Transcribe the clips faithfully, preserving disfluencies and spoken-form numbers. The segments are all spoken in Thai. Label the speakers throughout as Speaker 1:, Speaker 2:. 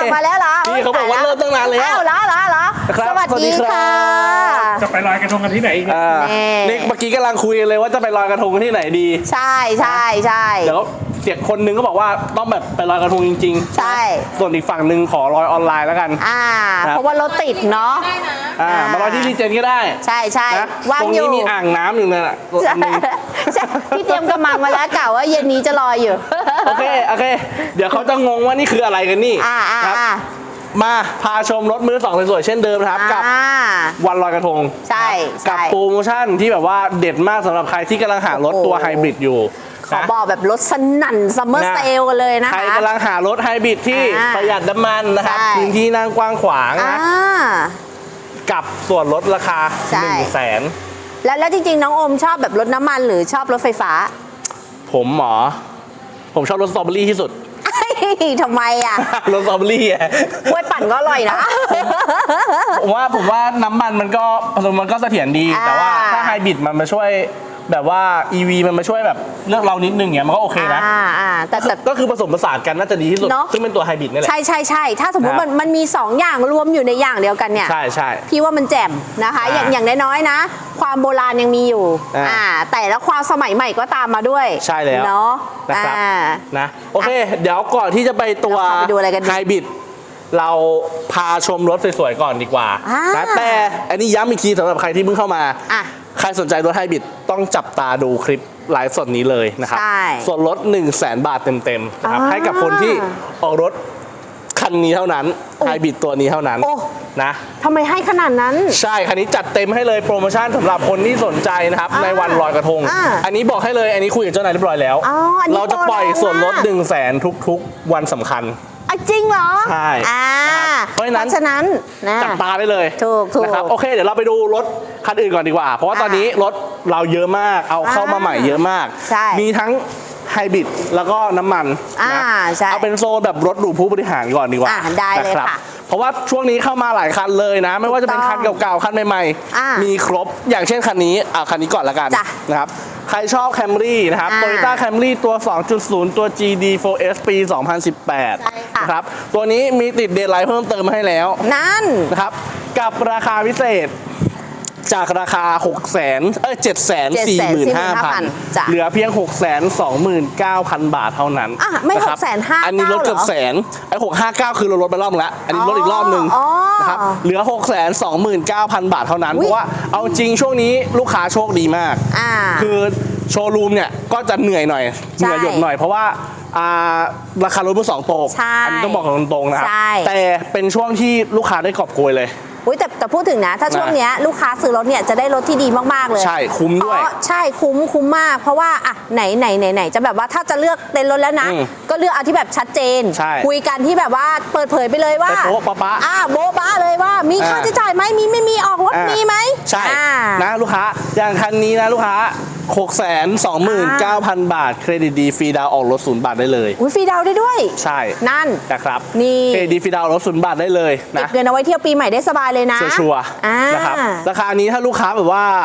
Speaker 1: มาแล้วเหรอ
Speaker 2: พี่เขาบอกว่าเริ่มตั้งนานแล้ว
Speaker 1: อ้าวเหรอเหรอเหรอสวัสดีค่ะ
Speaker 3: จะไปลอยกระทงกันที่ไหนอีก
Speaker 2: นี่เมื่อกี้กำลังคุยเลยว่าจะไปลอยกระทงกันที่ไหนดี
Speaker 1: ใช่ใช่ใช่
Speaker 2: เดี๋ยวเสียคนนึงก็บอกว่าต้องแบบไปลอยกระทงจริง
Speaker 1: ๆใช่
Speaker 2: ส่วนอีกฝั่งหนึ่งขอลอยออนไลน์แล้วกัน
Speaker 1: อ่าเพราะว่ารถติดเนาะ
Speaker 2: อ่ามาลอยที่รีเจนก็ได้
Speaker 1: ใช่ใช่
Speaker 2: วางอยู่ตรงนี้มีอ่างน้ำอยู่นั่นแหละ
Speaker 1: พี่เตรียมกระมังมาแล้วกล่าวว่าเย็นนี้จะลอยอยู่
Speaker 2: โอเคโอเคเดี๋ยวเขาจะงงว่านี่คืออะไรกันนี่ครับมาพาชมรถมือสองสวยๆเช่นเดิมนะครับกับวันลอยกระทง
Speaker 1: ใช่
Speaker 2: กับโปรโมชั่นที่แบบว่าเด็ดมากสำหรับใครที่กำลังหารถตัวไฮบริดอยู่
Speaker 1: ขอบอกแบบรถสนั่นซัมเมอร์เซลกันเลยนะคะ
Speaker 2: ใครกำลังหารถไฮบริดที่ประหยัดน้ำมันนะครับพื้นที่นั่งกว้างขวางนะกับส่วนลดราคาหนึ่งแสน
Speaker 1: แล้วแล้วจริงๆน้องโอมชอบแบบรถน้ำมันหรือชอบรถไฟฟ้า
Speaker 2: ผมหมอผมชอบรถสตรอเบอรี่ที่สุด
Speaker 1: ทำไมอ่ะ
Speaker 2: รสสตรอเบอรี่อ่ะ
Speaker 1: กล้วยปั่นก็อร่อยนะ
Speaker 2: ผมว่าผมว่าน้ำมันมันก็มันก็เสถียรดีแต่ว่าถ้าไฮบริดมันมาช่วยแบบว่า อี วี มันมาช่วยแบบเลือกเรานิดนึงเงี้ยมันก็โอเคนะแต่ก็คือผสมผสานกันน่าจะดีที่สุดซึ่งเป็นตัวไฮบริดนี่แหละ
Speaker 1: ใช่ใช่ใช่ถ้าสมมติมันมันมีสองอย่างรวมอยู่ในอย่างเดียวกันเนี่ย
Speaker 2: ใช่ใช่
Speaker 1: พี่ว่ามันแจ่มนะคะอย่างอย่างน้อยๆนะความโบราณยังมีอยู่อ่าแต่แล้วความสมัยใหม่ก็ตามมาด้วย
Speaker 2: ใช่แล้ว
Speaker 1: เนาะ
Speaker 2: นะครับนะโอเคเดี๋ยวก่อนที่จะไปตัวไฮบริดเราพาชมรถสวยๆก่อนดีกว่านะแต่อันนี้ย้ำอีกทีสำหรับใครที่เพิ่งเข้ามาใครสนใจรถไฮบริดต้องจับตาดูคลิปไลฟ์สดนี้เลยนะครับส่วนลด หนึ่งแสน บาทเต็มๆนะครับให้กับคนที่ออกรถคันนี้เท่านั้นไฮบริดตัวนี้เท่านั้นนะ
Speaker 1: ทำไมให้ขนาดนั้น
Speaker 2: ใช่คันนี้จัดเต็มให้เลยโปรโมชั่นสำหรับคนที่สนใจนะครับในวันลอยกระทงอันนี้บอกให้เลยอันนี้คุยกับเจ้านายเรียบร้อยแล้วเราจะปล่อยส่วนลด หนึ่งแสน ทุกๆวันสำคัญ
Speaker 1: จริงเหรอ
Speaker 2: ใช่
Speaker 1: เพราะฉะนั้น
Speaker 2: จับตาได้เลย
Speaker 1: ถูกถูก
Speaker 2: นะครับโอเคเดี๋ยวเราไปดูรถคันอื่นก่อนดีกว่าเพราะว่าตอนนี้รถเราเยอะมากเอาเข้ามาใหม่เยอะมากมีทั้งไฮบริดแล้วก็น้ำมันนะเอาเป็นโซนแบบรถหรูผู้บริหารก่อนดีกว่า
Speaker 1: ได้เลยค่ะ
Speaker 2: เพราะว่าช่วงนี้เข้ามาหลายคันเลยนะไม่ว่าจะเป็นคันเก่าๆคันใหม่ๆมีครบอย่างเช่นคันนี้เอาคันนี้ก่อนละกันนะครับใครชอบ Camry นะครับ Toyota Camry ตัว สองจุดศูนย์ ตัว จี ดี โฟร์ เอส ปี สองพันสิบแปดนะครับตัวนี้มีติดเดย์ไลท์เพิ่มเติมให้แล้ว
Speaker 1: นั่น
Speaker 2: นะครับกับราคาพิเศษจากราคา หกแสน เอ้ย เจ็ดแสนสี่หมื่นห้าพัน เหลือเพียง หกแสนสองหมื่นเก้าพัน บาทเท่านั้น
Speaker 1: อ่ะไม่ หกแสนห้าหมื่น
Speaker 2: อันนี้ลดเกือบแสนไอ้หกห้าเก้าคือเราลดไปรอบนึงแล้วอันนี้ลดอีกรอบนึงนะครับเหลือ หกแสนสองหมื่นเก้าพัน บาทเท่านั้นเพราะว่าเอาจริงช่วงนี้ลูกค้าโชคดีมากคือโชว์รูมเนี่ยก็จะเหนื่อยหน่อยเหนื่อยหยดหน่อยเพราะว่าราคารถมือสองตกอันนี้ต้องบอกตรงๆนะครับแต่เป็นช่วงที่ลูกค้าได้กอบโกยเลย
Speaker 1: อุ้ยแต่แต่พูดถึงนะถ้าช่วงนี้ลูกค้าซื้อรถเนี่ยจะได้รถที่ดีมากๆเลย
Speaker 2: ใช่คุ้มด้วย
Speaker 1: ใช่คุ้มคุ้มมากเพราะว่าอ่ะไหนไหนไหนไหนจะแบบว่าถ้าจะเลือกเต็นท์รถแล้วนะก็เลือกเอาที่แบบชัดเจนคุยกันที่แบบว่าเปิดเผยไปเลยว่า
Speaker 2: โบ๊ะป๊ะ
Speaker 1: อ่ะโบ๊ะป๊ะเลยว่ามีค่าใช้จ่ายไหมมีไม่มีออกรถมีไหม
Speaker 2: ใช่นะลูกค้าอย่างคันนี้นะลูกค้า หกแสนสองหมื่นเก้าพัน บาทเครดิตดีฟรีดาวออกรถศูนย์บาทได้เลย
Speaker 1: อุ้ยฟรีดาวได้ด้วย
Speaker 2: ใช่
Speaker 1: นั่น
Speaker 2: นะครับ
Speaker 1: นี่
Speaker 2: เครดิตดีฟรีดาวรถศูนย์บาทได้เลยนะ
Speaker 1: เก็บเงินเอาไว้เที่ยวปีใหม่ได้สบายเลยนะ
Speaker 2: ชัวร์นะครับราคานี้ถ้าลูกค้าแบบว่า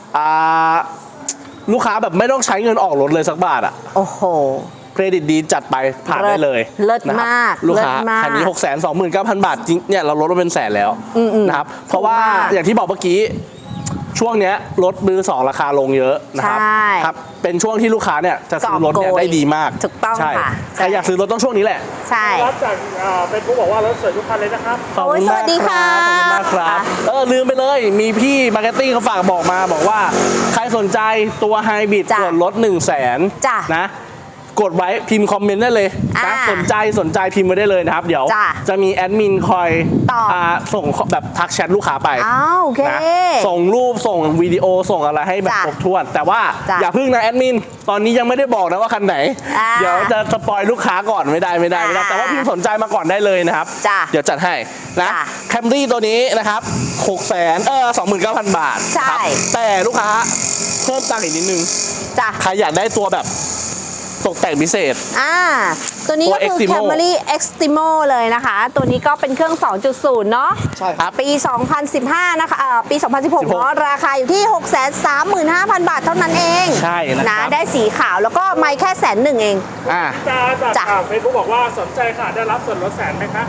Speaker 2: ลูกค้าแบบไม่ต้องใช้เงินออกรถเลยสักบาทอ่ะ
Speaker 1: โอ้โห
Speaker 2: เครดิตดีจัดไปผ่านได้เลย
Speaker 1: เลิศมาก
Speaker 2: ลูกค้าคันนี้ หกแสนสองหมื่นเก้าพัน บาทจริงเนี่ยเราลดมาเป็นแสนแล้วนะครับเพราะว่าอย่างที่บอกเมื่อกี้ช่วงนี้รถมือสองราคาลงเยอะนะครับครับเป็นช่วงที่ลูกค้าเนี่ยจะซื้อรถเนี่ยได้ดีมาก
Speaker 1: ถูกต้องค่ะ
Speaker 2: ใครอยากซื้อรถต้องช่วงนี้แหละ
Speaker 1: ใช่
Speaker 3: รับจากเป็นผู้บอกว่ารถสวยทุกคันเลยนะครับ
Speaker 2: ขอบคุณมากครับขอบคุณมากครับเออลืมไปเลยมีพี่มาร์เก็ตติ้งเขาฝากบอกมาบอกว่าใครสนใจตัวไฮบริดส่วนลดหนึ่งแสนนะกดไว้พิมพ์คอมเมนต์ได้เลยนะสนใจสนใจพิมพ์ไว้ได้เลยนะครับเดี๋ยวจะมีแอดมินคอยส่งแบบทักแชทลูกค้าไปนะส่งรูปส่งวิดีโอส่งอะไรให้แบบครบถ้วนแต่ว่าอย่าพึ่งนะแอดมินตอนนี้ยังไม่ได้บอกนะว่าคันไหนเดี๋ยวจะสปอยลูกค้าก่อนไม่ได้ไม่ได้ไม่ได้แต่ว่าพิมพ์สนใจมาก่อนได้เลยนะครับเดี๋ยวจัดให้นะแคมรี่ตัวนี้นะครับหกแสนเออสองหมื่นเก้าพันบาทแต่ลูกค้าเพิ่มตังค์อีกนิดนึงใครอยากได้ตัวแบบตกแต่งพิเศษ
Speaker 1: อ่าตัวนี้ก็คือ Camry Extremo เลยนะคะตัวนี้ก็เป็นเครื่อง สองจุดศูนย์ เนาะ
Speaker 2: ใช่ครับ
Speaker 1: ปี สองพันสิบห้า นะคะเอ่อปี สองพันสิบหก เนาะราคาอยู่ที่ หกแสนสามหมื่นห้าพัน บาทเท่านั้นเอง
Speaker 2: ใช่นะ
Speaker 1: ได้สีขาวแล้วก็ไม่แค่แสนหนึ่งเอง
Speaker 3: อ่าจากเฟซบุ๊กบอกว่าสนใจค่ะได้รับส่วนลดแสนไหมคะ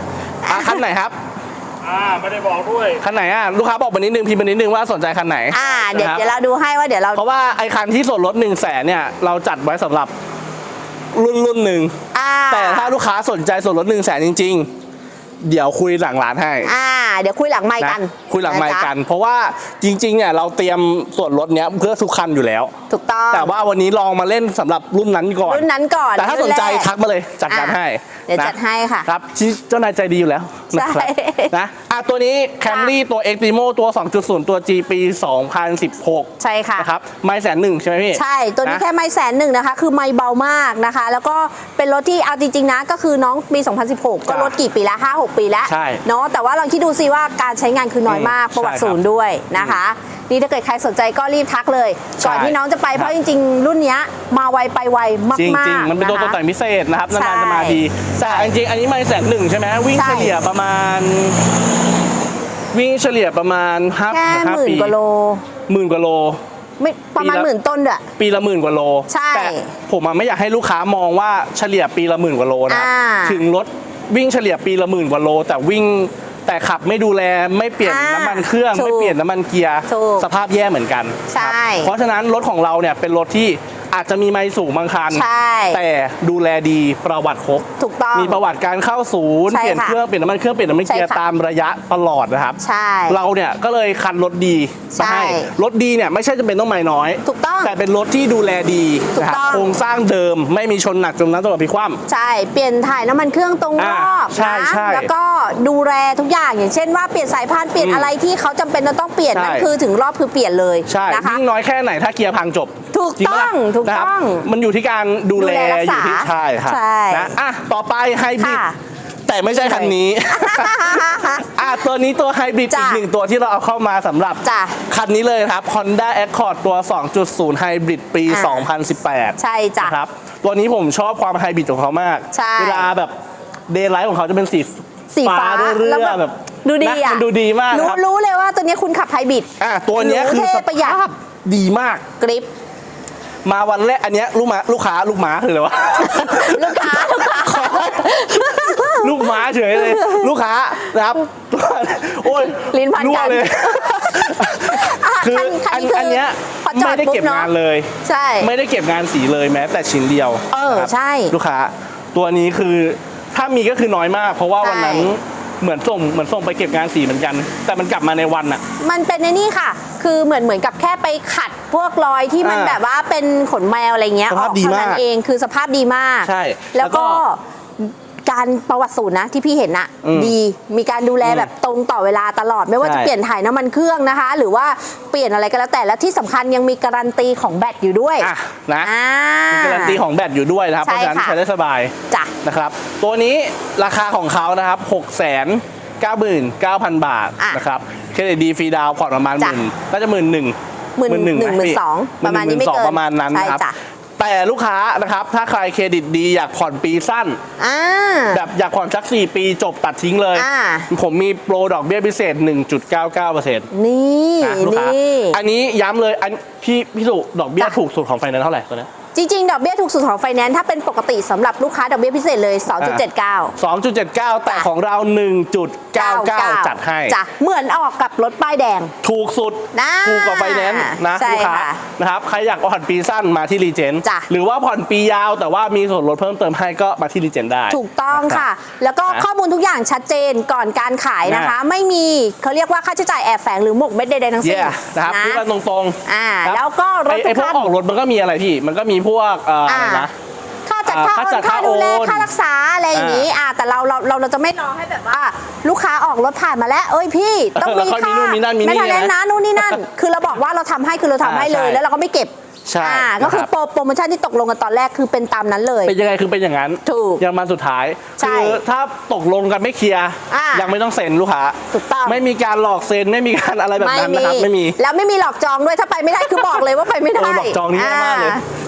Speaker 2: อ่ะคันไหนครับ
Speaker 3: อ่าไม่ได้บอกด้วย
Speaker 2: คันไหนอ่ะลูกค้าบอกมานิดนึงพิมพ์มานิดนึงว่าสนใจคันไหน
Speaker 1: อ่าเดี๋ยว
Speaker 2: นะครับ
Speaker 1: เดี๋ยวเราดูให้ว่าเดี๋ยวเรา
Speaker 2: เพราะว่าไอ้คันที่ส่วนลดหนึ่งแสนเนี่ยเราจัดไว้สำหรับรุ่นรุ่นหนึ่ง
Speaker 1: อ่า
Speaker 2: แต่ถ้าลูกค้าสนใจส่วนลดหนึ่งแสนจริง ๆ เดี๋ยวคุยหลังร้านให้
Speaker 1: อ่าเดี๋ยวคุยหลังไมค์กัน
Speaker 2: นะคุยหลังไมค์
Speaker 1: ะจ๊ะ
Speaker 2: กัน เพราะว่าจริงๆเนี่ยเราเตรียมส่วนลดเนี้ยเพื่อทุกคันอยู่แล้ว
Speaker 1: ถูกต้อง
Speaker 2: แต่ว่าวันนี้ลองมาเล่นสำหรับรุ่นนั้นก่อน
Speaker 1: รุ่นนั้นก่อน
Speaker 2: แต่ถ้าสนใจ
Speaker 1: รุ่นแรก
Speaker 2: ทักมาเลยจัดการให้
Speaker 1: เดี๋ยว
Speaker 2: นะ
Speaker 1: จัดให้ค่ะ
Speaker 2: ครับที่เจ้านายใจดีอยู่แล้วนะครับ
Speaker 1: ใช่
Speaker 2: นะอ่ะตัวนี้ Camry ตัว Extremo ตัว สองจุดศูนย์ ตัว G ปี สองพันสิบหก
Speaker 1: ใช่ค่ะ
Speaker 2: นะครับไม่แสนหนึ่งใช่ไหมพี่
Speaker 1: ใช่ ตัวนี้
Speaker 2: นะ
Speaker 1: แค่ไม่แสนหนึ่งนะคะ คือไม่เบามากนะคะ แล้วก็เป็นรถที่เอาจริงๆนะ ก็คือน้องปี สองพันสิบหก ก็
Speaker 2: จ้ะ
Speaker 1: รถกี่ปีแล้วห้า หก ปีแล้ว
Speaker 2: ใช่
Speaker 1: เนาะ แต่ว่าลองคิดดูซิว่าการใช้งานคือน้อยมาก
Speaker 2: อืม
Speaker 1: ประวัติ
Speaker 2: ใช่ครับ
Speaker 1: ศูนย์ด้วยนะคะ นี่ถ้าเกิดใครสนใจก็รีบทักเลย
Speaker 2: ใช่
Speaker 1: ก่อนที่น้องจะไป เพ
Speaker 2: ครั
Speaker 1: ราะ
Speaker 2: บ
Speaker 1: จริงๆ รุ่นเนี้ยมาไวไปไวมาก
Speaker 2: จริง
Speaker 1: ๆ
Speaker 2: จริงๆมันเป็นตัวตก
Speaker 1: ะคะ
Speaker 2: แต่งพิเศษนะครับ
Speaker 1: ใช่
Speaker 2: นานๆจะมาทีแต่จริงๆอันนี้ไม่แสนหนึ่งใช่ไหมวิ่ง
Speaker 1: ใช่
Speaker 2: เฉลี่ยประมาณ วิ่งเฉลี่ยประมาณห้า
Speaker 1: แค่
Speaker 2: ห้า
Speaker 1: หมื่น
Speaker 2: ปี
Speaker 1: กว่าโล
Speaker 2: หมื่นกว่าโล
Speaker 1: ไม่ประมาณ
Speaker 2: ปีละ
Speaker 1: หมื่นต้นด้วย
Speaker 2: ปีละหมื่นกว่าโล
Speaker 1: ใช่
Speaker 2: แต่ผมอะไม่อยากให้ลูกค้ามองว่าเฉลี่ยปีละหมื่นกว่าโลนะครับ
Speaker 1: อ่า
Speaker 2: ถึงรถวิ่งเฉลี่ยปีละหมื่นกว่าโล แต่วิ่งแต่ขับไม่ดูแลไม่เปลี่ยน
Speaker 1: อ่า
Speaker 2: น้ำมันเครื่อง
Speaker 1: ถูก
Speaker 2: ไม่เปลี่ยนน้ำมันเกียร์
Speaker 1: ถูก
Speaker 2: สภาพแย่เหมือนกัน
Speaker 1: ใช่
Speaker 2: ครับเพราะฉะนั้นรถของเราเนี่ยเป็นรถที่อาจจะมีไมล์สูงบางคัน
Speaker 1: ใช่
Speaker 2: แต่ดูแลดีประวัติครบ
Speaker 1: ถูกต้อง
Speaker 2: มีประวัติการเข้าศูนย์
Speaker 1: ใช่
Speaker 2: เปลี่ยน
Speaker 1: ค่ะ
Speaker 2: เครื่องเปลี่ยนน้ำมันเครื่องเปลี่ยนน้ำมันเกียร์
Speaker 1: ใช่ค่ะ
Speaker 2: ตามระยะตลอดนะครับ
Speaker 1: ใช่
Speaker 2: เราเนี่ยก็เลยคันรถดีมาให้
Speaker 1: ใช่
Speaker 2: รถดีเนี่ยไม่ใช่จะเป็นต้องไม้น้อย
Speaker 1: ถูกต้อง
Speaker 2: แต่เป็นรถที่ดูแลดี
Speaker 1: ถูก
Speaker 2: นะครับ
Speaker 1: ต้อง
Speaker 2: โครงสร้างเดิมไม่มีชนหนักจมน้ำตลอดพลิกคว่ำ
Speaker 1: ใช่ เปลี่ยนถ่ายน้ำมันเครื่องตรงร
Speaker 2: อ่า
Speaker 1: อบ
Speaker 2: ใช่
Speaker 1: นะ
Speaker 2: ใช่
Speaker 1: แล้วก็ดูแลทุกอย่างอย่างเช่นว่าเปลี่ยนสายพานเปลี่ยน
Speaker 2: อืม
Speaker 1: อะไรที่เขาจำเป็นจะต้องเปลี่ยน
Speaker 2: ใช่
Speaker 1: นั่นคือถึงรอบคือเปลี่ยนเลย
Speaker 2: ใช่
Speaker 1: นะคะ
Speaker 2: ยิ่งน้อยแค่ไหนถ้าเกียร์พังจบ
Speaker 1: ถูก
Speaker 2: จริปะ
Speaker 1: ต้
Speaker 2: ล่ะ
Speaker 1: องถูก
Speaker 2: นะครับ
Speaker 1: ต้อง
Speaker 2: มันอยู่ที่การดูแล
Speaker 1: ดูแลรักษา
Speaker 2: อยู่ที่ใช่ครับ
Speaker 1: ใช่
Speaker 2: นะอ่ะต่อไปไฮบริด
Speaker 1: ค่ะ
Speaker 2: แต่ไม่ใช่คันนี้ อ่ะตัวนี้ตัวไฮบริด
Speaker 1: จ้ะ
Speaker 2: อีกหนึ่งตัวที่เราเอาเข้ามาสำหรับ
Speaker 1: จ้ะ
Speaker 2: คันนี้เลยครับ Honda Accord ตัว สองจุดศูนย์ ไฮบริดปี
Speaker 1: อ่า
Speaker 2: สองพันสิบแปด
Speaker 1: ใช่จ้ะ
Speaker 2: นะครับตัวนี้ผมชอบความไฮบริดของเขามาก
Speaker 1: ใช่
Speaker 2: เวลาแบบเดย์ไลท์ของเขาจะเป็นสี
Speaker 1: สีฟ้า
Speaker 2: เรื่
Speaker 1: แล้ว
Speaker 2: อ
Speaker 1: แบบ
Speaker 2: ๆแบบ
Speaker 1: ดูดี
Speaker 2: นะ
Speaker 1: อ่ะ
Speaker 2: มันดูดีมาก
Speaker 1: รู้
Speaker 2: ครับ
Speaker 1: รู้เลยว่าตัวนี้คุณขับไฮบริด
Speaker 2: อ่ะตัวเนี้ย
Speaker 1: หรู
Speaker 2: คือ
Speaker 1: เท่
Speaker 2: ส
Speaker 1: ประหยัด
Speaker 2: ภาพดีมาก
Speaker 1: กริป
Speaker 2: มาวันแรกอันเนี้ยลูกม้าลูกค้าลูกม้าคืออะไรวะ
Speaker 1: ลูกค้าลูกค้า
Speaker 2: ลูกม้าเฉยเลย ลูกค้านะครับ โอ้ย
Speaker 1: ลิ้นพันกัน
Speaker 2: รั่วเลย
Speaker 1: อ่ะ
Speaker 2: คือ
Speaker 1: คันคั
Speaker 2: อั
Speaker 1: น
Speaker 2: น
Speaker 1: นี้คือ
Speaker 2: อันเนี้ย
Speaker 1: พอจอ
Speaker 2: ไม่
Speaker 1: ด
Speaker 2: ได้
Speaker 1: ปุ๊บ
Speaker 2: เก็บ
Speaker 1: เนาะ
Speaker 2: งานเลย
Speaker 1: ใช่
Speaker 2: ไม่ได้เก็บงานสีเลยแม้แต่ชิ้นเดียว
Speaker 1: เออ
Speaker 2: นะครับ
Speaker 1: ใช่
Speaker 2: ลูกค้า ตัวนี้คือถ้ามีก็คือน้อยมาก เพราะว่าวันนั้น
Speaker 1: ใช่
Speaker 2: เหมือนส่งเหมือนส่งไปเก็บงานสีเหมือนกัน แต่มันกลับมาในวันอะ
Speaker 1: มันเป็นในนี่ค่ะ คือเหมือนเหมือนกับแค่ไปขัดพวกรอยที่มัน
Speaker 2: อ่า
Speaker 1: แบบว่าเป็นขนแมวอะไรเงี้ย
Speaker 2: ส
Speaker 1: อ
Speaker 2: ภาพ
Speaker 1: อก
Speaker 2: ดี
Speaker 1: เท่านั้
Speaker 2: มาก
Speaker 1: นเอง คือสภาพดีมาก
Speaker 2: ใช่
Speaker 1: แล้วก็
Speaker 2: แล้วก็
Speaker 1: การประวัติศูนย์นะที่พี่เห็นอะ
Speaker 2: อืม
Speaker 1: ดี มีการดูแล
Speaker 2: อืม
Speaker 1: แบบตรงต่อเวลาตลอด ไม่ว่า
Speaker 2: ใช่
Speaker 1: จะเปลี่ยนถ่ายน้ำมันเครื่องนะคะ หรือว่าเปลี่ยนอะไรก็แล้วแต่ แล้วที่สำคัญยังมีการันตีของแบตอยู่ด้วย
Speaker 2: อ่ะนะ
Speaker 1: อ่า
Speaker 2: มีการันตีของแบตอยู่ด้วยนะครับ เพ
Speaker 1: ใช่
Speaker 2: ราะฉะนั้น
Speaker 1: ค่ะ
Speaker 2: ใช้ได้สบาย
Speaker 1: จ้ะ
Speaker 2: นะครับ ตัวนี้ราคาของเขานะครับ หกแสนเก้าหมื่นเก้าพัน บาท
Speaker 1: อ่ะ
Speaker 2: นะครับเครดิตดีฟรีดาวน์ผ่อนประมาณห
Speaker 1: จ้ะ
Speaker 2: มื่นก็จะหมื่นหนึ่ง
Speaker 1: หมื่นหนึ่งหมื่นสองประมาณนี้ไม่เกิน
Speaker 2: ประมาณนั้นนะครับ
Speaker 1: ใช่จ้ะ
Speaker 2: แต่ลูกค้านะครับถ้าใครเครดิตดีอยากผ่อนปีสั้น
Speaker 1: อ่า
Speaker 2: แบบอยากผ่อนสักสี่ปีจบตัดทิ้งเลย
Speaker 1: อ่า
Speaker 2: ผมมีโปรดอกเบี้ยพิเศษ หนึ่งจุดเก้าเก้าเปอร์เซ็นต์
Speaker 1: นี่
Speaker 2: นะลูกค้า
Speaker 1: นี่
Speaker 2: อันนี้ย้ำเลยอันพี่พี่สุดอกเบี้ย
Speaker 1: จ้ะ
Speaker 2: ถูกสุดของไฟแนนซ์เท่าไหร่ตัวนี้
Speaker 1: จริงๆ ดอกเบี้ยถูกสุดของไฟแนนซ์ถ้าเป็นปกติสำหรับลูกค้าดอกเบี้ยพิเศษเลย สองจุดเจ็ดเก้า
Speaker 2: สองจุดเจ็ดเก้า แต่ของเรา หนึ่งจุดเก้าเก้า จัดให้
Speaker 1: จ้ะเหมือนออกกับรถป้ายแดง
Speaker 2: ถูกสุด
Speaker 1: นะ
Speaker 2: ถูกกว่าไฟแนนซ์นะ
Speaker 1: ใช่
Speaker 2: ลูกค้า
Speaker 1: ค่ะ
Speaker 2: นะครับใครอยากผ่อนปีสั้นมาที่รีเจน
Speaker 1: จ้ะ
Speaker 2: หรือว่าผ่อนปียาวแต่ว่ามีส่วนลดเพิ่มเติมให้ก็มาที่รีเจนได้
Speaker 1: ถูกต้อง
Speaker 2: นรับ
Speaker 1: ค่ะ แล้วก็
Speaker 2: นะ
Speaker 1: ข้อมูลทุกอย่างชัดเจนก่อนการขายนะคะ
Speaker 2: นะ
Speaker 1: ไม่มีเขาเรียกว่าค่าใช้จ่ายแอบแฝงหรือหมกเม็ดใดๆทั้งสิ้น
Speaker 2: เย่นะครับพูดกันตรงๆ
Speaker 1: อ่า
Speaker 2: ครับ
Speaker 1: แล้วก็รถ
Speaker 2: ไอ้ไอ้
Speaker 1: ทุก
Speaker 2: พวก
Speaker 1: คัน
Speaker 2: ออกรถมันก็มีอะไรพี่ มันก็มีพวกเอ่ออะไรนะ
Speaker 1: ค่าจัด
Speaker 2: อ่า
Speaker 1: ค่า
Speaker 2: ค่า
Speaker 1: โอ
Speaker 2: จั
Speaker 1: น
Speaker 2: ด
Speaker 1: ค่าดูแล
Speaker 2: ค่าโอน
Speaker 1: ค่ารักษาอะไรอย่างนี้อ่าแต่เราเราเราเราจะไม่รอให้แบบว่า ลูกค้าออกรถผ่านมาแล้ว เอ้ยพี่ต้อง
Speaker 2: แล้ว
Speaker 1: มี
Speaker 2: ค่อยมี
Speaker 1: ค่า
Speaker 2: นู่นมีนั่นมีนี่
Speaker 1: ไม่ทันแล้ว
Speaker 2: นะ
Speaker 1: นะนู่นนี่นั่น คือเราบอกว่าเราทำให้คือเราทำให้เลย
Speaker 2: อ่าใช่
Speaker 1: แล้วเราก็ไม่เก็บ
Speaker 2: ใช่
Speaker 1: อ่าก็คือ
Speaker 2: นะครับ
Speaker 1: โปรโปรโมชั่นที่ตกลงกันตอนแรกคือเป็นตามนั้นเลย
Speaker 2: เป็นยังไงคือเป็นอย่างนั้น
Speaker 1: ถูก
Speaker 2: ยังมาสุดท้าย
Speaker 1: ใช่
Speaker 2: คือถ้าตกลงกันไม่เคลียร์
Speaker 1: อ่ายั
Speaker 2: ยังไม่ต้องเซ็นลูกค้า
Speaker 1: ถูกต้อง
Speaker 2: ไม่มีการหลอกเซ็นไม่มีการอะไรแบบนั้นนะครับไม่มี
Speaker 1: แล้วไม่มีหลอกจองด้วยถ้าไปไม่ได้คือบอกเลยว่าไปไม่ได้
Speaker 2: เออหลอกจองนี่แย่มากเลย
Speaker 1: อ่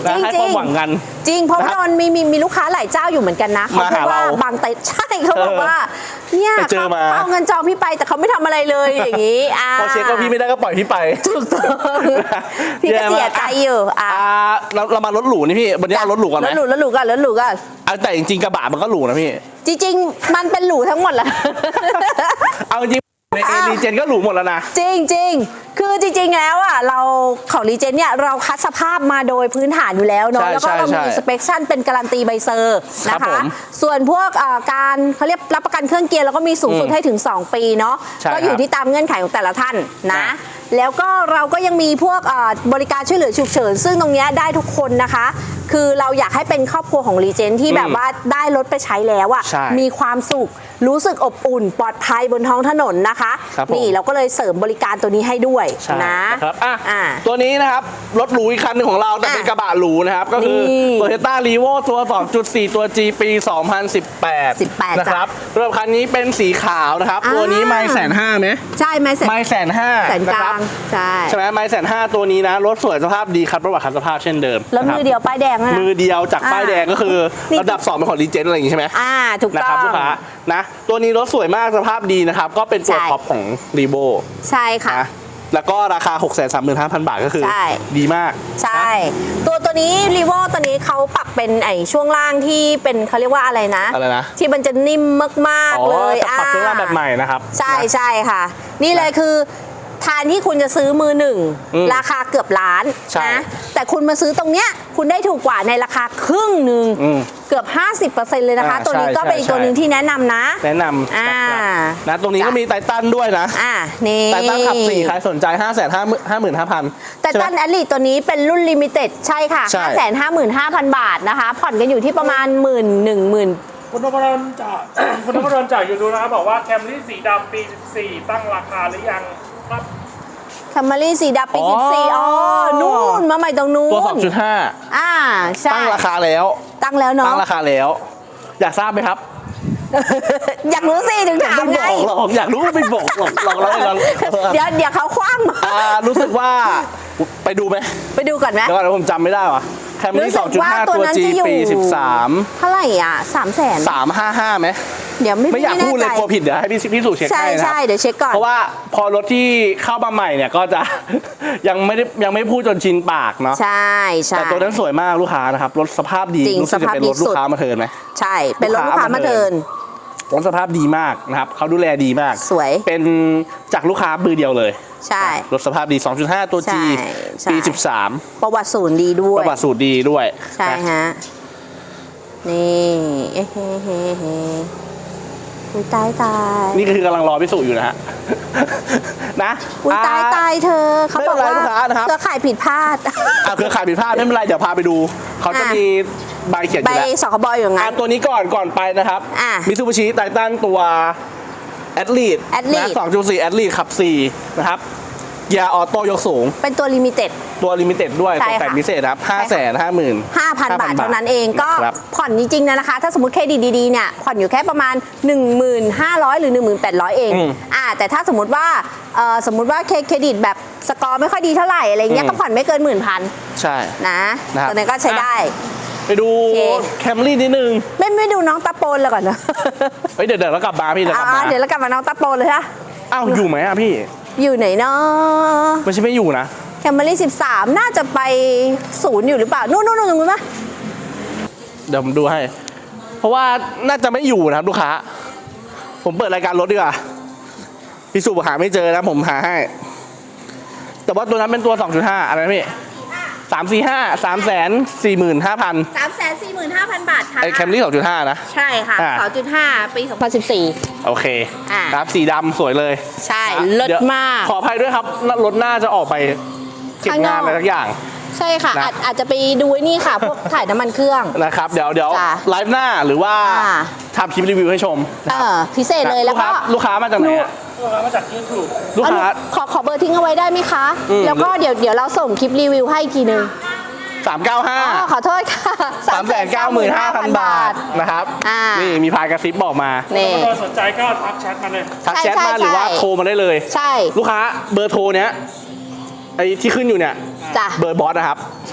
Speaker 2: นะให้ความหวังกัน
Speaker 1: จริงเพราะว่าโดนมีมีมีลูกค้าหลายเจ้าอยู่เหมือนกันนะเขาพูดว่าบางเต็นใช่เขาบอกว่าเนี่ยเขาเอาเงินจองพี่ไปแต่เขาไม่ทำอะไรเลยอย่างนี้
Speaker 2: พอเช็คก็พี่ไม่ได้ก็ปล่อยพี่ไป
Speaker 1: ถูกต้องพี่ก็เสียใจอยู่อ่า
Speaker 2: เราเรามารถหรูนี่พี่วันนี้เอารถหรูก่อนไหม
Speaker 1: รถหรูรถหรูก่อนรถหรูก่อน
Speaker 2: แต่จริงๆกระบะมันก็หรูนะพี่
Speaker 1: จริงๆมันเป็นหรูทั้งหมดแหละ
Speaker 2: เอาจริงในเอรีเจนก็หรูหมดแล้วนะ
Speaker 1: จริงจริงคือจริงๆแล้วอ่ะเราของรีเจนเนี่ยเราคัดสภาพมาโดยพื้นฐานอยู่แล้วเนาะแล้วก็เรามีสเปคชั่นเป็นการันตีใบเซอร์นะคะส่วนพวกการเขาเรียกรับประกันเครื่องเกียร์แล้วก็มีสูงสุดให้ถึงสองปีเนาะก็อยู่ที่ตามเงื่อนไขของแต่ละท่านนะแล้วก็เราก็ยังมีพวกบริการช่วยเหลือฉุกเฉินซึ่งตรงนี้ได้ทุกคนนะคะคือเราอยากให้เป็นครอบครัวของรีเจนที่แบบว่าได้รถไปใช้แล้วอ่ะมีความสุขรู้สึกอบอุ่นปลอดภัยบนท้องถนนนะคะนี่เราก็เลยเสริมบริการตัวนี้ให้ด้วยนะครับ
Speaker 2: อ่ะตัวนี้นะครับรถหรูอีกคันหนึ่งของเราแต่เป็นกระบะหรูนะครับก็คือ Toyota Revo ตัว สองจุดสี่ ตัว G ปี สองพันสิบแปด นะครับรถคันนี้เป็นสีขาวนะครับตัวนี้ไม่แสนห้าไหม
Speaker 1: ใช่ไม่แสน
Speaker 2: ไม่แสนห้า
Speaker 1: แสนกลางใช่
Speaker 2: ใช่ไหมไม่แสนห้าตัวนี้นะรถสวยสภาพดีครับประวัติคันสภาพเช่นเดิม
Speaker 1: แล้วมือเดียวป้ายแดงนะ
Speaker 2: มือเดียวจากป้ายแดงก็คือระดับสองเป็นของรีเจนอะไรอย่างงี้ใช่ไหม
Speaker 1: อ่าถูกต้อง
Speaker 2: นะครับลูกค้านะตัวนี้รถสวยมากสภาพดีนะครับก็เป็นตัวท็อปของรีโบ
Speaker 1: ใช่ค่ะ
Speaker 2: แล้วก็ราคา หกแสนสามหมื่นห้าพัน บาทก็คือดีมาก
Speaker 1: ใช่ตัวตัวนี้รีโวตัวนี้เขาปรับเป็นไอช่วงล่างที่เป็นเขาเรียกว่าอะไรนะ
Speaker 2: อะไรนะ
Speaker 1: ที่มันจะนิ่มมากๆเลย
Speaker 2: ปรับช่วงล่างแบบใหม่นะครับ
Speaker 1: ใช่ใช่ค่ะนี่เลยคือทานที่คุณจะซื้อมือหนึ่งราคาเกือบล้านนะแต่คุณมาซื้อตรงเนี้ยคุณได้ถูกกว่าในราคาครึ่งหนึ่งเกือบ ห้าสิบเปอร์เซ็นต์ เลยนะคะตัวนี้ก็เป็นอีกตัวหนึ่งที่แนะนำนะ
Speaker 2: แนะนำอ่านะตรงนี้ก็มีไททันด้วยนะ
Speaker 1: อ่านี่
Speaker 2: ไททันขับสี่ใครสนใจ ห้าแสนห้าหมื่นห้าพัน
Speaker 1: ไททันแอดลีตัวนี้เป็นรุ่นลิมิเต็ดใช่ค่ะ ห้าแสนห้าหมื่นห้าพัน บาทนะคะผ่อนกันอยู่ที่ประมาณหมื่นหนึ่งหมื่น
Speaker 3: คุณนพดลจากคุณนพดลจากยูทูบนะครับบอกว่าแคมรี่สีดำปีสิบสี่ตั้งราคาหรือยังครับ
Speaker 1: แคมรี่สีดำปีสิบสี่อ๋อนู่นมาใหม่ตรงนู้น
Speaker 2: ตัว สองจุดห้า
Speaker 1: อ่าใช่
Speaker 2: ตั้งราคาแล้ว
Speaker 1: ตั้งแล้วเนาะ
Speaker 2: ตั้งราคาแล้วอยากทราบไหมครับ
Speaker 1: อยากรู้สิถึงถามไง
Speaker 2: อยากรู้ว่าไม่บอกหรอกลองเล่าลอง
Speaker 1: เดี๋ยวเดี๋ยวเขาคว้าง
Speaker 2: รู้สึกว่าไปดูไหม
Speaker 1: ไปดูก่อนไหม
Speaker 2: เดี๋ยวก่อนผมจำไม่ได้ว่ะแคมรี่ สองจุดห้า ตัว G ปีสิบสาม
Speaker 1: เท่าไหร่อ่ะสามแสน
Speaker 2: สามห้าห้าไหม
Speaker 1: เดี๋ยวไม่
Speaker 2: ไม่อยากพูดเลยกลัวผิดเดี๋ยวให้พี่พี่สู่เช็คให้นะ
Speaker 1: ใช่เดี๋ยวเช็คก่อน
Speaker 2: เพราะว่าพอรถที่เข้ามาใหม่เนี่ยก็จะยังไม่ได้ยังไม่พูดจนชินปากเนาะ
Speaker 1: ใช่ใช่
Speaker 2: แต่ตัวนั้นสวยมากลูกค้านะครับรถสภาพดีรู้สึกจะเป็นรถลูกค้ามาเทิร์นไหม
Speaker 1: ใช่เป็นรถลูกค้ามาเทิร์น
Speaker 2: รถสภาพดีมากนะครับเขาดูแลดีมาก
Speaker 1: สวย
Speaker 2: เป็นจากลูกค้ามือเดียวเลย
Speaker 1: ใช่
Speaker 2: รถสภาพดี สองจุดห้า ตัว G ปีสิบสาม
Speaker 1: ประวัติศูนย์ดีด้วย
Speaker 2: ประวัติศูนย์ดีด้วย
Speaker 1: ใช่ฮะนี่เฮ้เฮ้เฮ้เฮ้อุ้ยตายตาย
Speaker 2: นี่คือกำลังรอพิสูจน์อยู่นะฮะนะ
Speaker 1: อุ้ยตายตายเธอเขาบอกว่าเครือข่ายผิดพลาด
Speaker 2: เครือข่ายผิดพลาดไม่เป็นไรเดี๋ยวพาไปดูเขาจะมีใบเขียนอยู่แล้ว
Speaker 1: ใบสคบอยู่งั้น
Speaker 2: ตัวนี้ก่อนก่อนไปนะครับมิตซูบิชิไททันตัวแอดลีดนะ สองจุดสี่ แอดลีดขับสี่นะครับเกียร์ออโต้ยกสูง
Speaker 1: เป็นตัวลิมิเต็ด
Speaker 2: ตัวลิมิเต็ดด้วยตกแต่งพิเศษครับ ห้าแสนห้าหมื่น
Speaker 1: ห้าพัน บาทเท่านั้นเองก็ผ่อนจริงๆนะคะถ้าสมมติเครดิตดีๆเนี่ยผ่อนอยู่แค่ประมาณ หนึ่งหมื่นห้าร้อย หรือ หนึ่งหมื่นแปดร้อย เองอ่าแต่ถ้าสมมติว่าสมมติว่าเครดิตแบบสกอร์ไม่ค่อยดีเท่าไหร่อะไรเงี้ยก็ผ่อนไม่เกินหมื่นพัน
Speaker 2: ใช่
Speaker 1: นะตัวนี้ก็ใช้ได้
Speaker 2: ไปดูแคมรี่นิดนึง
Speaker 1: ไม่ไม่ดูน้องตะโปนเลยก่อนนะ
Speaker 2: เฮ้ยเดี๋ยวเดี๋ยวเรากลับมาพี่เดี๋ยวกลับมา
Speaker 1: เดี๋ยวเรากลับมาน้องตะโปนเลยฮะ
Speaker 2: อ้าวอยู่ไหมอะพี่
Speaker 1: อยู่ไหนเนาะ
Speaker 2: ไม่ใช่ไม่อยู่นะ
Speaker 1: แคมรี่สิบสามน่าจะไปศูนย์อยู่หรือเปล่านู่นนู่นนู่นตรงนู้นปะ
Speaker 2: เดี๋ยวผมดูให้เพราะว่าน่าจะไม่อยู่นะครับลูกค้าผมเปิดรายการรถดีกว่าพี่สุหาไม่เจอนะผมหาให้แต่ว่าตัวนั้นเป็นตัว สองจุดห้า อะไรนะพี่สามสี่ห้า สามแสนสี่หมื่นห้าพัน
Speaker 1: สามแสนสี่หมื่นห้าพัน บาทค่ะ
Speaker 2: ไอแคมรี่ สองจุดห้า นะ
Speaker 1: ใช่ค่ะ สองจุดห้า ปีสองพันสิบสี่
Speaker 2: โอเคครับสีดำสวยเลย
Speaker 1: ใช่เลิศมาก
Speaker 2: ขออภัยด้วยครับรถหน้าจะออกไปเก็บงานอะไรทุกอย่าง
Speaker 1: ใช่ค่ะอาจอาจจะไปดูนี่ค่ะพวกถ่ายน้ำมันเครื่อง
Speaker 2: นะครับเดี๋ยวเดี๋ยวไลฟ์หน้าหรือว่าทำคลิปรีวิวให้ชม
Speaker 1: เออพิเศษเลยแล้วก็
Speaker 2: ลูกค้ามาจากไหน
Speaker 3: ลูกค้ามาจากยูทูบ
Speaker 2: ลูกค้า
Speaker 1: ขอขอเบอร์ทิ้งเอาไว้ได้ไหมคะแล้วก็เดี๋ยวเดี๋ยวเราส่งคลิปรีวิวให้อีกทีนึง
Speaker 2: สามเก้าห้า
Speaker 1: ขอโทษค่ะ
Speaker 2: สามแสนเก้าหมื่นห้าพัน บาทนะครับนี่มีพายกระซิบบอกมา
Speaker 3: นี่สนใจก็ทักแชทมาเลย
Speaker 2: ทักแชทมาหรือว่าโทรมาได้เลย
Speaker 1: ใช่
Speaker 2: ลูกค้าเบอร์โทรเนี้ยไอ้ที่ขึ้นอยู่เนี่ยเบอร์บอสนะครับ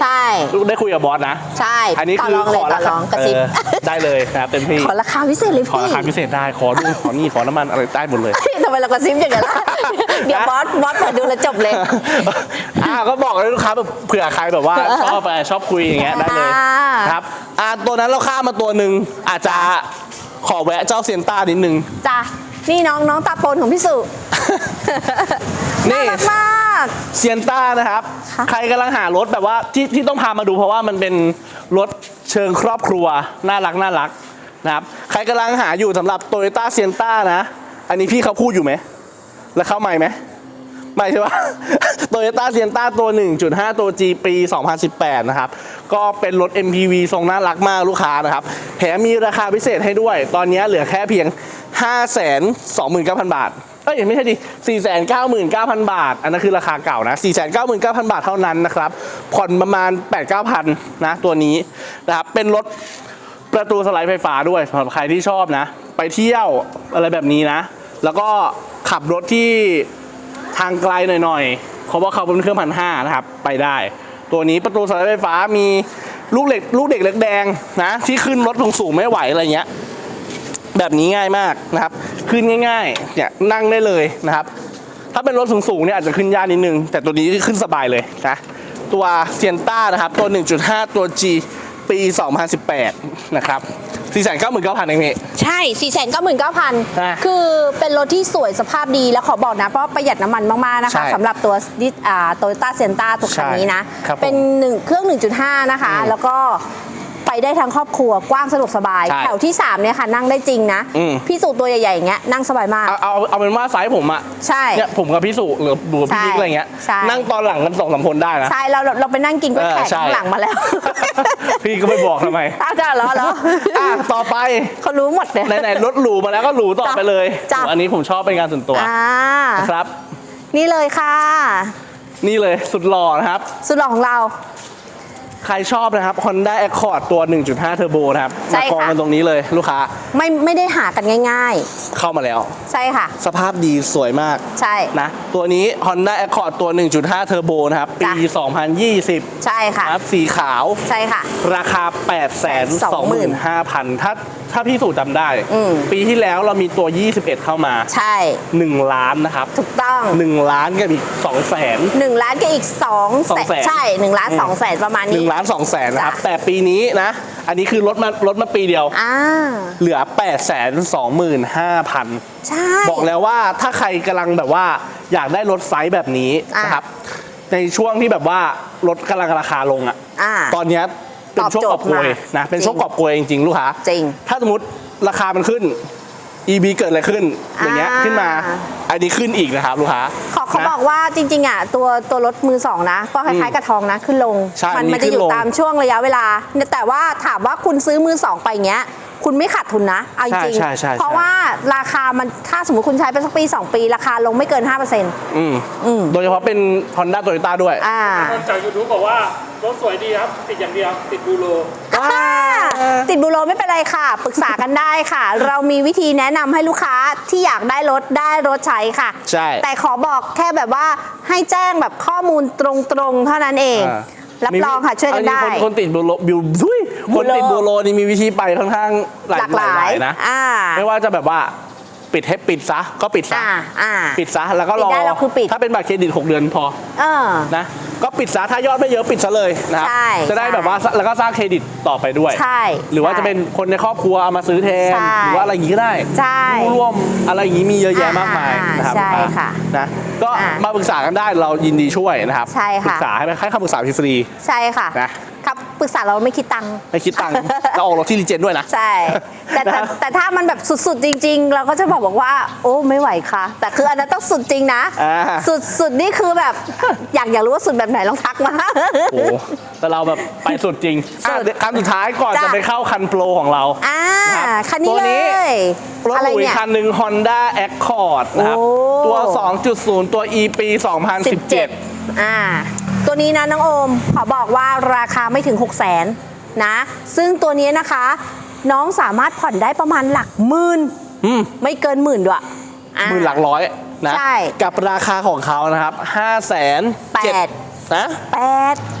Speaker 1: ใช่
Speaker 2: ได้คุยกับบอสนะ
Speaker 1: ใช่
Speaker 2: อันนี้
Speaker 1: ต่อ
Speaker 2: คือ
Speaker 1: รองเลย
Speaker 2: ขอ
Speaker 1: ต่อ
Speaker 2: ราร คา
Speaker 1: องกระซิบ
Speaker 2: เออได้เลยนะครับเต็มที่
Speaker 1: ขอราคาพิเศษเลย
Speaker 2: ขอ
Speaker 1: พี่
Speaker 2: ราคาพิเศษได้ขอดูขอนี่ขอน้ำมันอะไรได้หมดเลย
Speaker 1: ทำไมเรากระซิบอย่างนั้นล่ะเดี๋ยวบอสบอสเปิดดูแลวจบเลย
Speaker 2: อ่าก็บอกเลยลูกค้าแบบเผื่อใครแบบว่าชอบอะไรชอบคุยอย่างเงี้ยได้เลย
Speaker 1: อ่า
Speaker 2: ครับอ่าตัวนั้นเราข้ามมาตัวหนึ่งอาจจะขอแวะเจ้าเซียนต้านิดนึง
Speaker 1: จ้ะนี่น้องน้องตาปนของพี่สุ
Speaker 2: นี่
Speaker 1: น่ารักมาก
Speaker 2: เซียนต้านะครับ
Speaker 1: ค่ะ
Speaker 2: ใครกำลังหารถแบบว่าที่ที่ต้องพามาดูเพราะว่ามันเป็นรถเชิงครอบครัวน่ารักน่ารักนะครับใครกำลังหาอยู่สำหรับ Toyota Sienna นะ อันนี้พี่เขาพูดอยู่ไหมแล้วเข้าใหม่ไหมไม่ใช่ปะ Toyota Sienna ตัว หนึ่งจุดห้า ตัว G ปี สองพันสิบแปด นะครับก็เป็นรถ เอ็ม พี วี ทรงน่ารักมากลูกค้านะครับแถมมีราคาพิเศษให้ด้วย ตอนนี้เหลือแค่เพียง ห้าแสนสองหมื่นเก้าพัน บาท เอ้ยไม่ใช่ดิ สี่แสนเก้าหมื่นเก้าพัน บาท อันนั้นคือราคาเก่านะ สี่แสนเก้าหมื่นเก้าพัน บาทเท่านั้นนะครับ ผ่อนประมาณ แปดถึงเก้าพัน นะตัวนี้นะครับ เป็นรถประตูสไลด์ไฟฟ้าด้วยสำหรับใครที่ชอบนะ ไปเที่ยวอะไรแบบนี้นะ แล้วก็ขับรถที่ทางไกลหน่อยๆเพราะว่าเขาเป็นเครื่องพันห้านะครับ ไปได้ ตัวนี้ประตูสไลด์ไฟฟ้ามีลูกเหล็กลูกเด็กเล็กแดงนะ ที่ขึ้นรถสูงๆไม่ไหวอะไรเงี้ย แบบนี้ง่ายมากนะครับ ขึ้นง่ายๆเนี่ยนั่งได้เลยนะครับ ถ้าเป็นรถสูงๆเนี่ยอาจจะขึ้นยากนิดนึง แต่ตัวนี้ขึ้นสบายเลยนะ ตัวเซียนต้านะครับ ตัว หนึ่งจุดห้า ตัว G ปี สองพันสิบแปด นะครับ สี่แสนเก้าหมื่นเก้าพัน เองพี่
Speaker 1: ใช่ สี่แสนเก้าหมื่นเก้าพัน
Speaker 2: อ่ะ
Speaker 1: คือเป็นรถที่สวยสภาพดีแล้วขอบอกนะ เพราะประหยัดน้ำมันมาก ๆ นะคะ
Speaker 2: ใช่
Speaker 1: สำหรับตัวดิอ่าโตโยต้าเซียนต้าตัวคันนี้นะ
Speaker 2: ใช่ครับผม
Speaker 1: เป็นหนึ่งเครื่อง หนึ่งจุดห้า นะคะ
Speaker 2: อืม
Speaker 1: แล้วก็ไปได้ทั้งครอบครัวกว้างสะดวกสบาย
Speaker 2: ใช่
Speaker 1: แถวที่ สาม เนี่ยค่ะ นั่งได้จริงนะ
Speaker 2: อืม
Speaker 1: พี่สูตัวใหญ่ ๆ อย่างเงี้ยนั่งสบายมาก
Speaker 2: เอาเอาเอาเป็นว่าไซส์ผมอะ
Speaker 1: ใช่
Speaker 2: เนี่ยผมกับพี่สุหรือบูพี่บิ๊กอะไรเงี้ย
Speaker 1: ใช่
Speaker 2: นั่งตอนหลังกันสองสามคนได้นะ
Speaker 1: ใช่เราเราเราไปนั่งกินก๋วยแขก
Speaker 2: เออใช่
Speaker 1: ข้างหลังมาแล้ว
Speaker 2: พี่ก็ไม่บอกทำไม
Speaker 1: อ้าวจ้าเหรอเหรอ
Speaker 2: อ่ะต่อไป
Speaker 1: เขารู้หมดเลย
Speaker 2: ไหนๆรถหรูมาแล้วก็หรูต่อไปเลย
Speaker 1: จ้ะ
Speaker 2: อันนี้ผมชอบเป็นงานส่วนตัว
Speaker 1: อ่า
Speaker 2: นะครับ
Speaker 1: นี่เลยค่ะ
Speaker 2: นี่เลยสุดหล่อนะครับ
Speaker 1: สุดหล่อของเรา
Speaker 2: ใครชอบนะครับ Honda Accord ตัว หนึ่งจุดห้า Turbo นะครับ
Speaker 1: ใช่
Speaker 2: มา
Speaker 1: ค่ะ
Speaker 2: กองกันตรงนี้เลยลูกค้า
Speaker 1: ไม่ไม่ได้หากันง่าย
Speaker 2: เข้ามาแล้ว
Speaker 1: ๆ ใช่ค่ะ
Speaker 2: สภาพดีสวยมาก
Speaker 1: ใช่
Speaker 2: นะ ตัวนี้ Honda Accord ตัว หนึ่งจุดห้า Turbo นะครับ ปี
Speaker 1: จ้ะ
Speaker 2: สองพันยี่สิบ
Speaker 1: ใช่ค่ะ
Speaker 2: นะครับสีขาว
Speaker 1: ใช่ค่ะ
Speaker 2: ราคา แปดแสนสองหมื่นห้าพัน ถ้าถ้าพี่สู่จำได้
Speaker 1: อืม
Speaker 2: ปีที่แล้วเรามีตัว ยี่สิบเอ็ด เข้ามา
Speaker 1: ใช่
Speaker 2: หนึ่ง ล้านนะครับ
Speaker 1: ถูกต้อง
Speaker 2: หนึ่ง ล้านกับอีก สองแสน
Speaker 1: หนึ่งล้านกับอีกสอง
Speaker 2: สองแสน
Speaker 1: ใช่หนึ่งล้านสองแสนประมาณ
Speaker 2: หนึ่
Speaker 1: นี้
Speaker 2: งล้านสองแสนนะครับ
Speaker 1: จ้ะ
Speaker 2: แต่ปีนี้นะ อันนี้คือลดมาลดมาปีเดียว
Speaker 1: อ่า
Speaker 2: เหลือ แปดแสนสองหมื่นห้าพัน
Speaker 1: ใช่
Speaker 2: บอกแล้วว่าถ้าใครกำลังแบบว่าอยากได้รถไซส์แบบนี้
Speaker 1: อ่ะ
Speaker 2: นะครับ ในช่วงที่แบบว่ารถกำลังราคาลงอ่ะ
Speaker 1: อ่า
Speaker 2: ตอนเนี้ยเป็นช่วงกอบโกย
Speaker 1: ตอบโจทย์มาก
Speaker 2: นะ เป็น
Speaker 1: จริง
Speaker 2: ช่วงกอบโกยจริงๆ ลูกค้า
Speaker 1: จริง
Speaker 2: ถ้าสมมติราคามันขึ้น อี บี เกิดอะไรขึ้น อย่างเงี้ย
Speaker 1: อ่า
Speaker 2: ขึ้นมา อันนี้ขึ้นอีกนะครับลูกค้า
Speaker 1: ขอเขา
Speaker 2: นะ
Speaker 1: บอกว่าจริงๆอ่ะตัวตัวรถมือสองนะ ก็คล้ายๆกับทองนะ ขึ้นลง
Speaker 2: ใช่
Speaker 1: มั
Speaker 2: มี
Speaker 1: มัจะอยู่
Speaker 2: ขึ้นลง
Speaker 1: ตามช่วงระยะเวลา แต่ว่าถามว่าคุณซื้อมือสองไปเงี้ย คุณไม่ขาดทุนนะเอาจริง
Speaker 2: ใช่ใช่ใช่
Speaker 1: เพราะว่าราคามันถ้าสมมติคุณใช้ไปสักปีสองปี ราคาลงไม่เกิน ห้าเปอร์เซ็นต์
Speaker 2: อืม
Speaker 1: อืม
Speaker 2: โดยเฉพาะเป็น Honda Toyota ด้วย
Speaker 1: อ่า
Speaker 3: คนจากยูทูบบอกว่ารถสวยดีครับ ติดอย่างเดียว ติดบูโร
Speaker 1: อ่าติดบูโรไม่เป็นไรค่ะ ปรึกษากันได้ค่ะ เรามีวิธีแนะนำให้ลูกค้าที่อยากได้รถได้รถใช้ค่ะ
Speaker 2: ใช่
Speaker 1: แต่ขอบอกแค่แบบว่าให้แจ้งแบบข้อมูลตรงๆเท่านั้นเอง
Speaker 2: อ่า
Speaker 1: รับรองค่ะช่วยกันได้
Speaker 2: อัคนคนติดบูโรบิวทุยคนติดบูโรนี่มีวิธีไปค่อนข้างหลาย
Speaker 1: หลากหลาย
Speaker 2: นะ
Speaker 1: อ่า
Speaker 2: ไม่ว่าจะแบบว่าปิดให้ปิดซะก็ปิดซะ
Speaker 1: อ่าอ่า
Speaker 2: ปิดซะแล้วก็รอ
Speaker 1: ปิดได้แล้วคือปิด
Speaker 2: ถ้าเป็นบัตรเครดิตหกเดือนพอ
Speaker 1: เออ
Speaker 2: นะก็ปิดซะถ้ายอดไม่เยอะปิดซะเลยนะครับ
Speaker 1: ใช่
Speaker 2: จะได้
Speaker 1: ใช่
Speaker 2: แบบว่าแล้วก็สร้างเครดิตต่อไปด้วย
Speaker 1: ใช่
Speaker 2: หรือว่า
Speaker 1: ใช่
Speaker 2: จะเป็นคนในครอบครัวเอามาซื้อแทน
Speaker 1: ใช่
Speaker 2: หรือว่าอะไรอย่างนี้ก็ได้
Speaker 1: ใช่
Speaker 2: ผู้ร่วมอะไรอย่างนี้มีเยอะแยะมากมาย
Speaker 1: อ่า
Speaker 2: นะครับ
Speaker 1: ใช่ค่ะ
Speaker 2: นะก็
Speaker 1: อ่า
Speaker 2: มาปรึกษากันได้เรายินดีช่วยนะครับ
Speaker 1: ใช่ค่ะ
Speaker 2: ปรึกษาให้ให้คำปรึกษาฟรี
Speaker 1: ใช่ค่ะ
Speaker 2: นะครับ
Speaker 1: ปรึกษาเราไม่คิดตังค์
Speaker 2: ไม่คิดตังค์เราออกรถที่รีเจนด้วยนะ
Speaker 1: ใช่ แต่แต่
Speaker 2: นะครับ
Speaker 1: แต่ถ้ามันแบบสุดๆจริง ๆ เราก็จะบอกบอกว่า โอ้ไม่ไหวค่ะ แต่คืออันนั้นต้องสุดจริงนะ
Speaker 2: อ่า
Speaker 1: สุดสุดนี่คือแบบ อยากอยากรู้ว่าสุดแบบไหนลองทักมา
Speaker 2: โอ้โหแต่เราแบบไปสุดจริง
Speaker 1: สุด
Speaker 2: อ่ะคันสุดท้ายก่อน
Speaker 1: จ้ะ
Speaker 2: จะไปเข้าคันโปรของเรา
Speaker 1: อ่า
Speaker 2: นะครับ
Speaker 1: คันนี้
Speaker 2: ตัว
Speaker 1: เล
Speaker 2: นี้
Speaker 1: ย
Speaker 2: รถ
Speaker 1: อะไร
Speaker 2: หรูอี
Speaker 1: เนี่
Speaker 2: ก
Speaker 1: ย
Speaker 2: คันหนึ่ง Honda Accord นะครับ
Speaker 1: โอ้
Speaker 2: ตัว สองจุดศูนย์ ตัว E ปี สองพันสิบเจ็ด
Speaker 1: อ่า ตัวนี้นะน้องโอม ขอบอกว่าราคาไม่ถึง หกแสนนะ ซึ่งตัวนี้นะคะ น้องสามารถผ่อนได้ประมาณหลักหมื่น
Speaker 2: อืม
Speaker 1: ไม่เกินหมื่นด้วยอ่า
Speaker 2: หมื่นหลักร้อยนะ
Speaker 1: ใช่
Speaker 2: กับราคาของเขานะครับห้าแสน
Speaker 1: แปด
Speaker 2: นะ
Speaker 1: แปด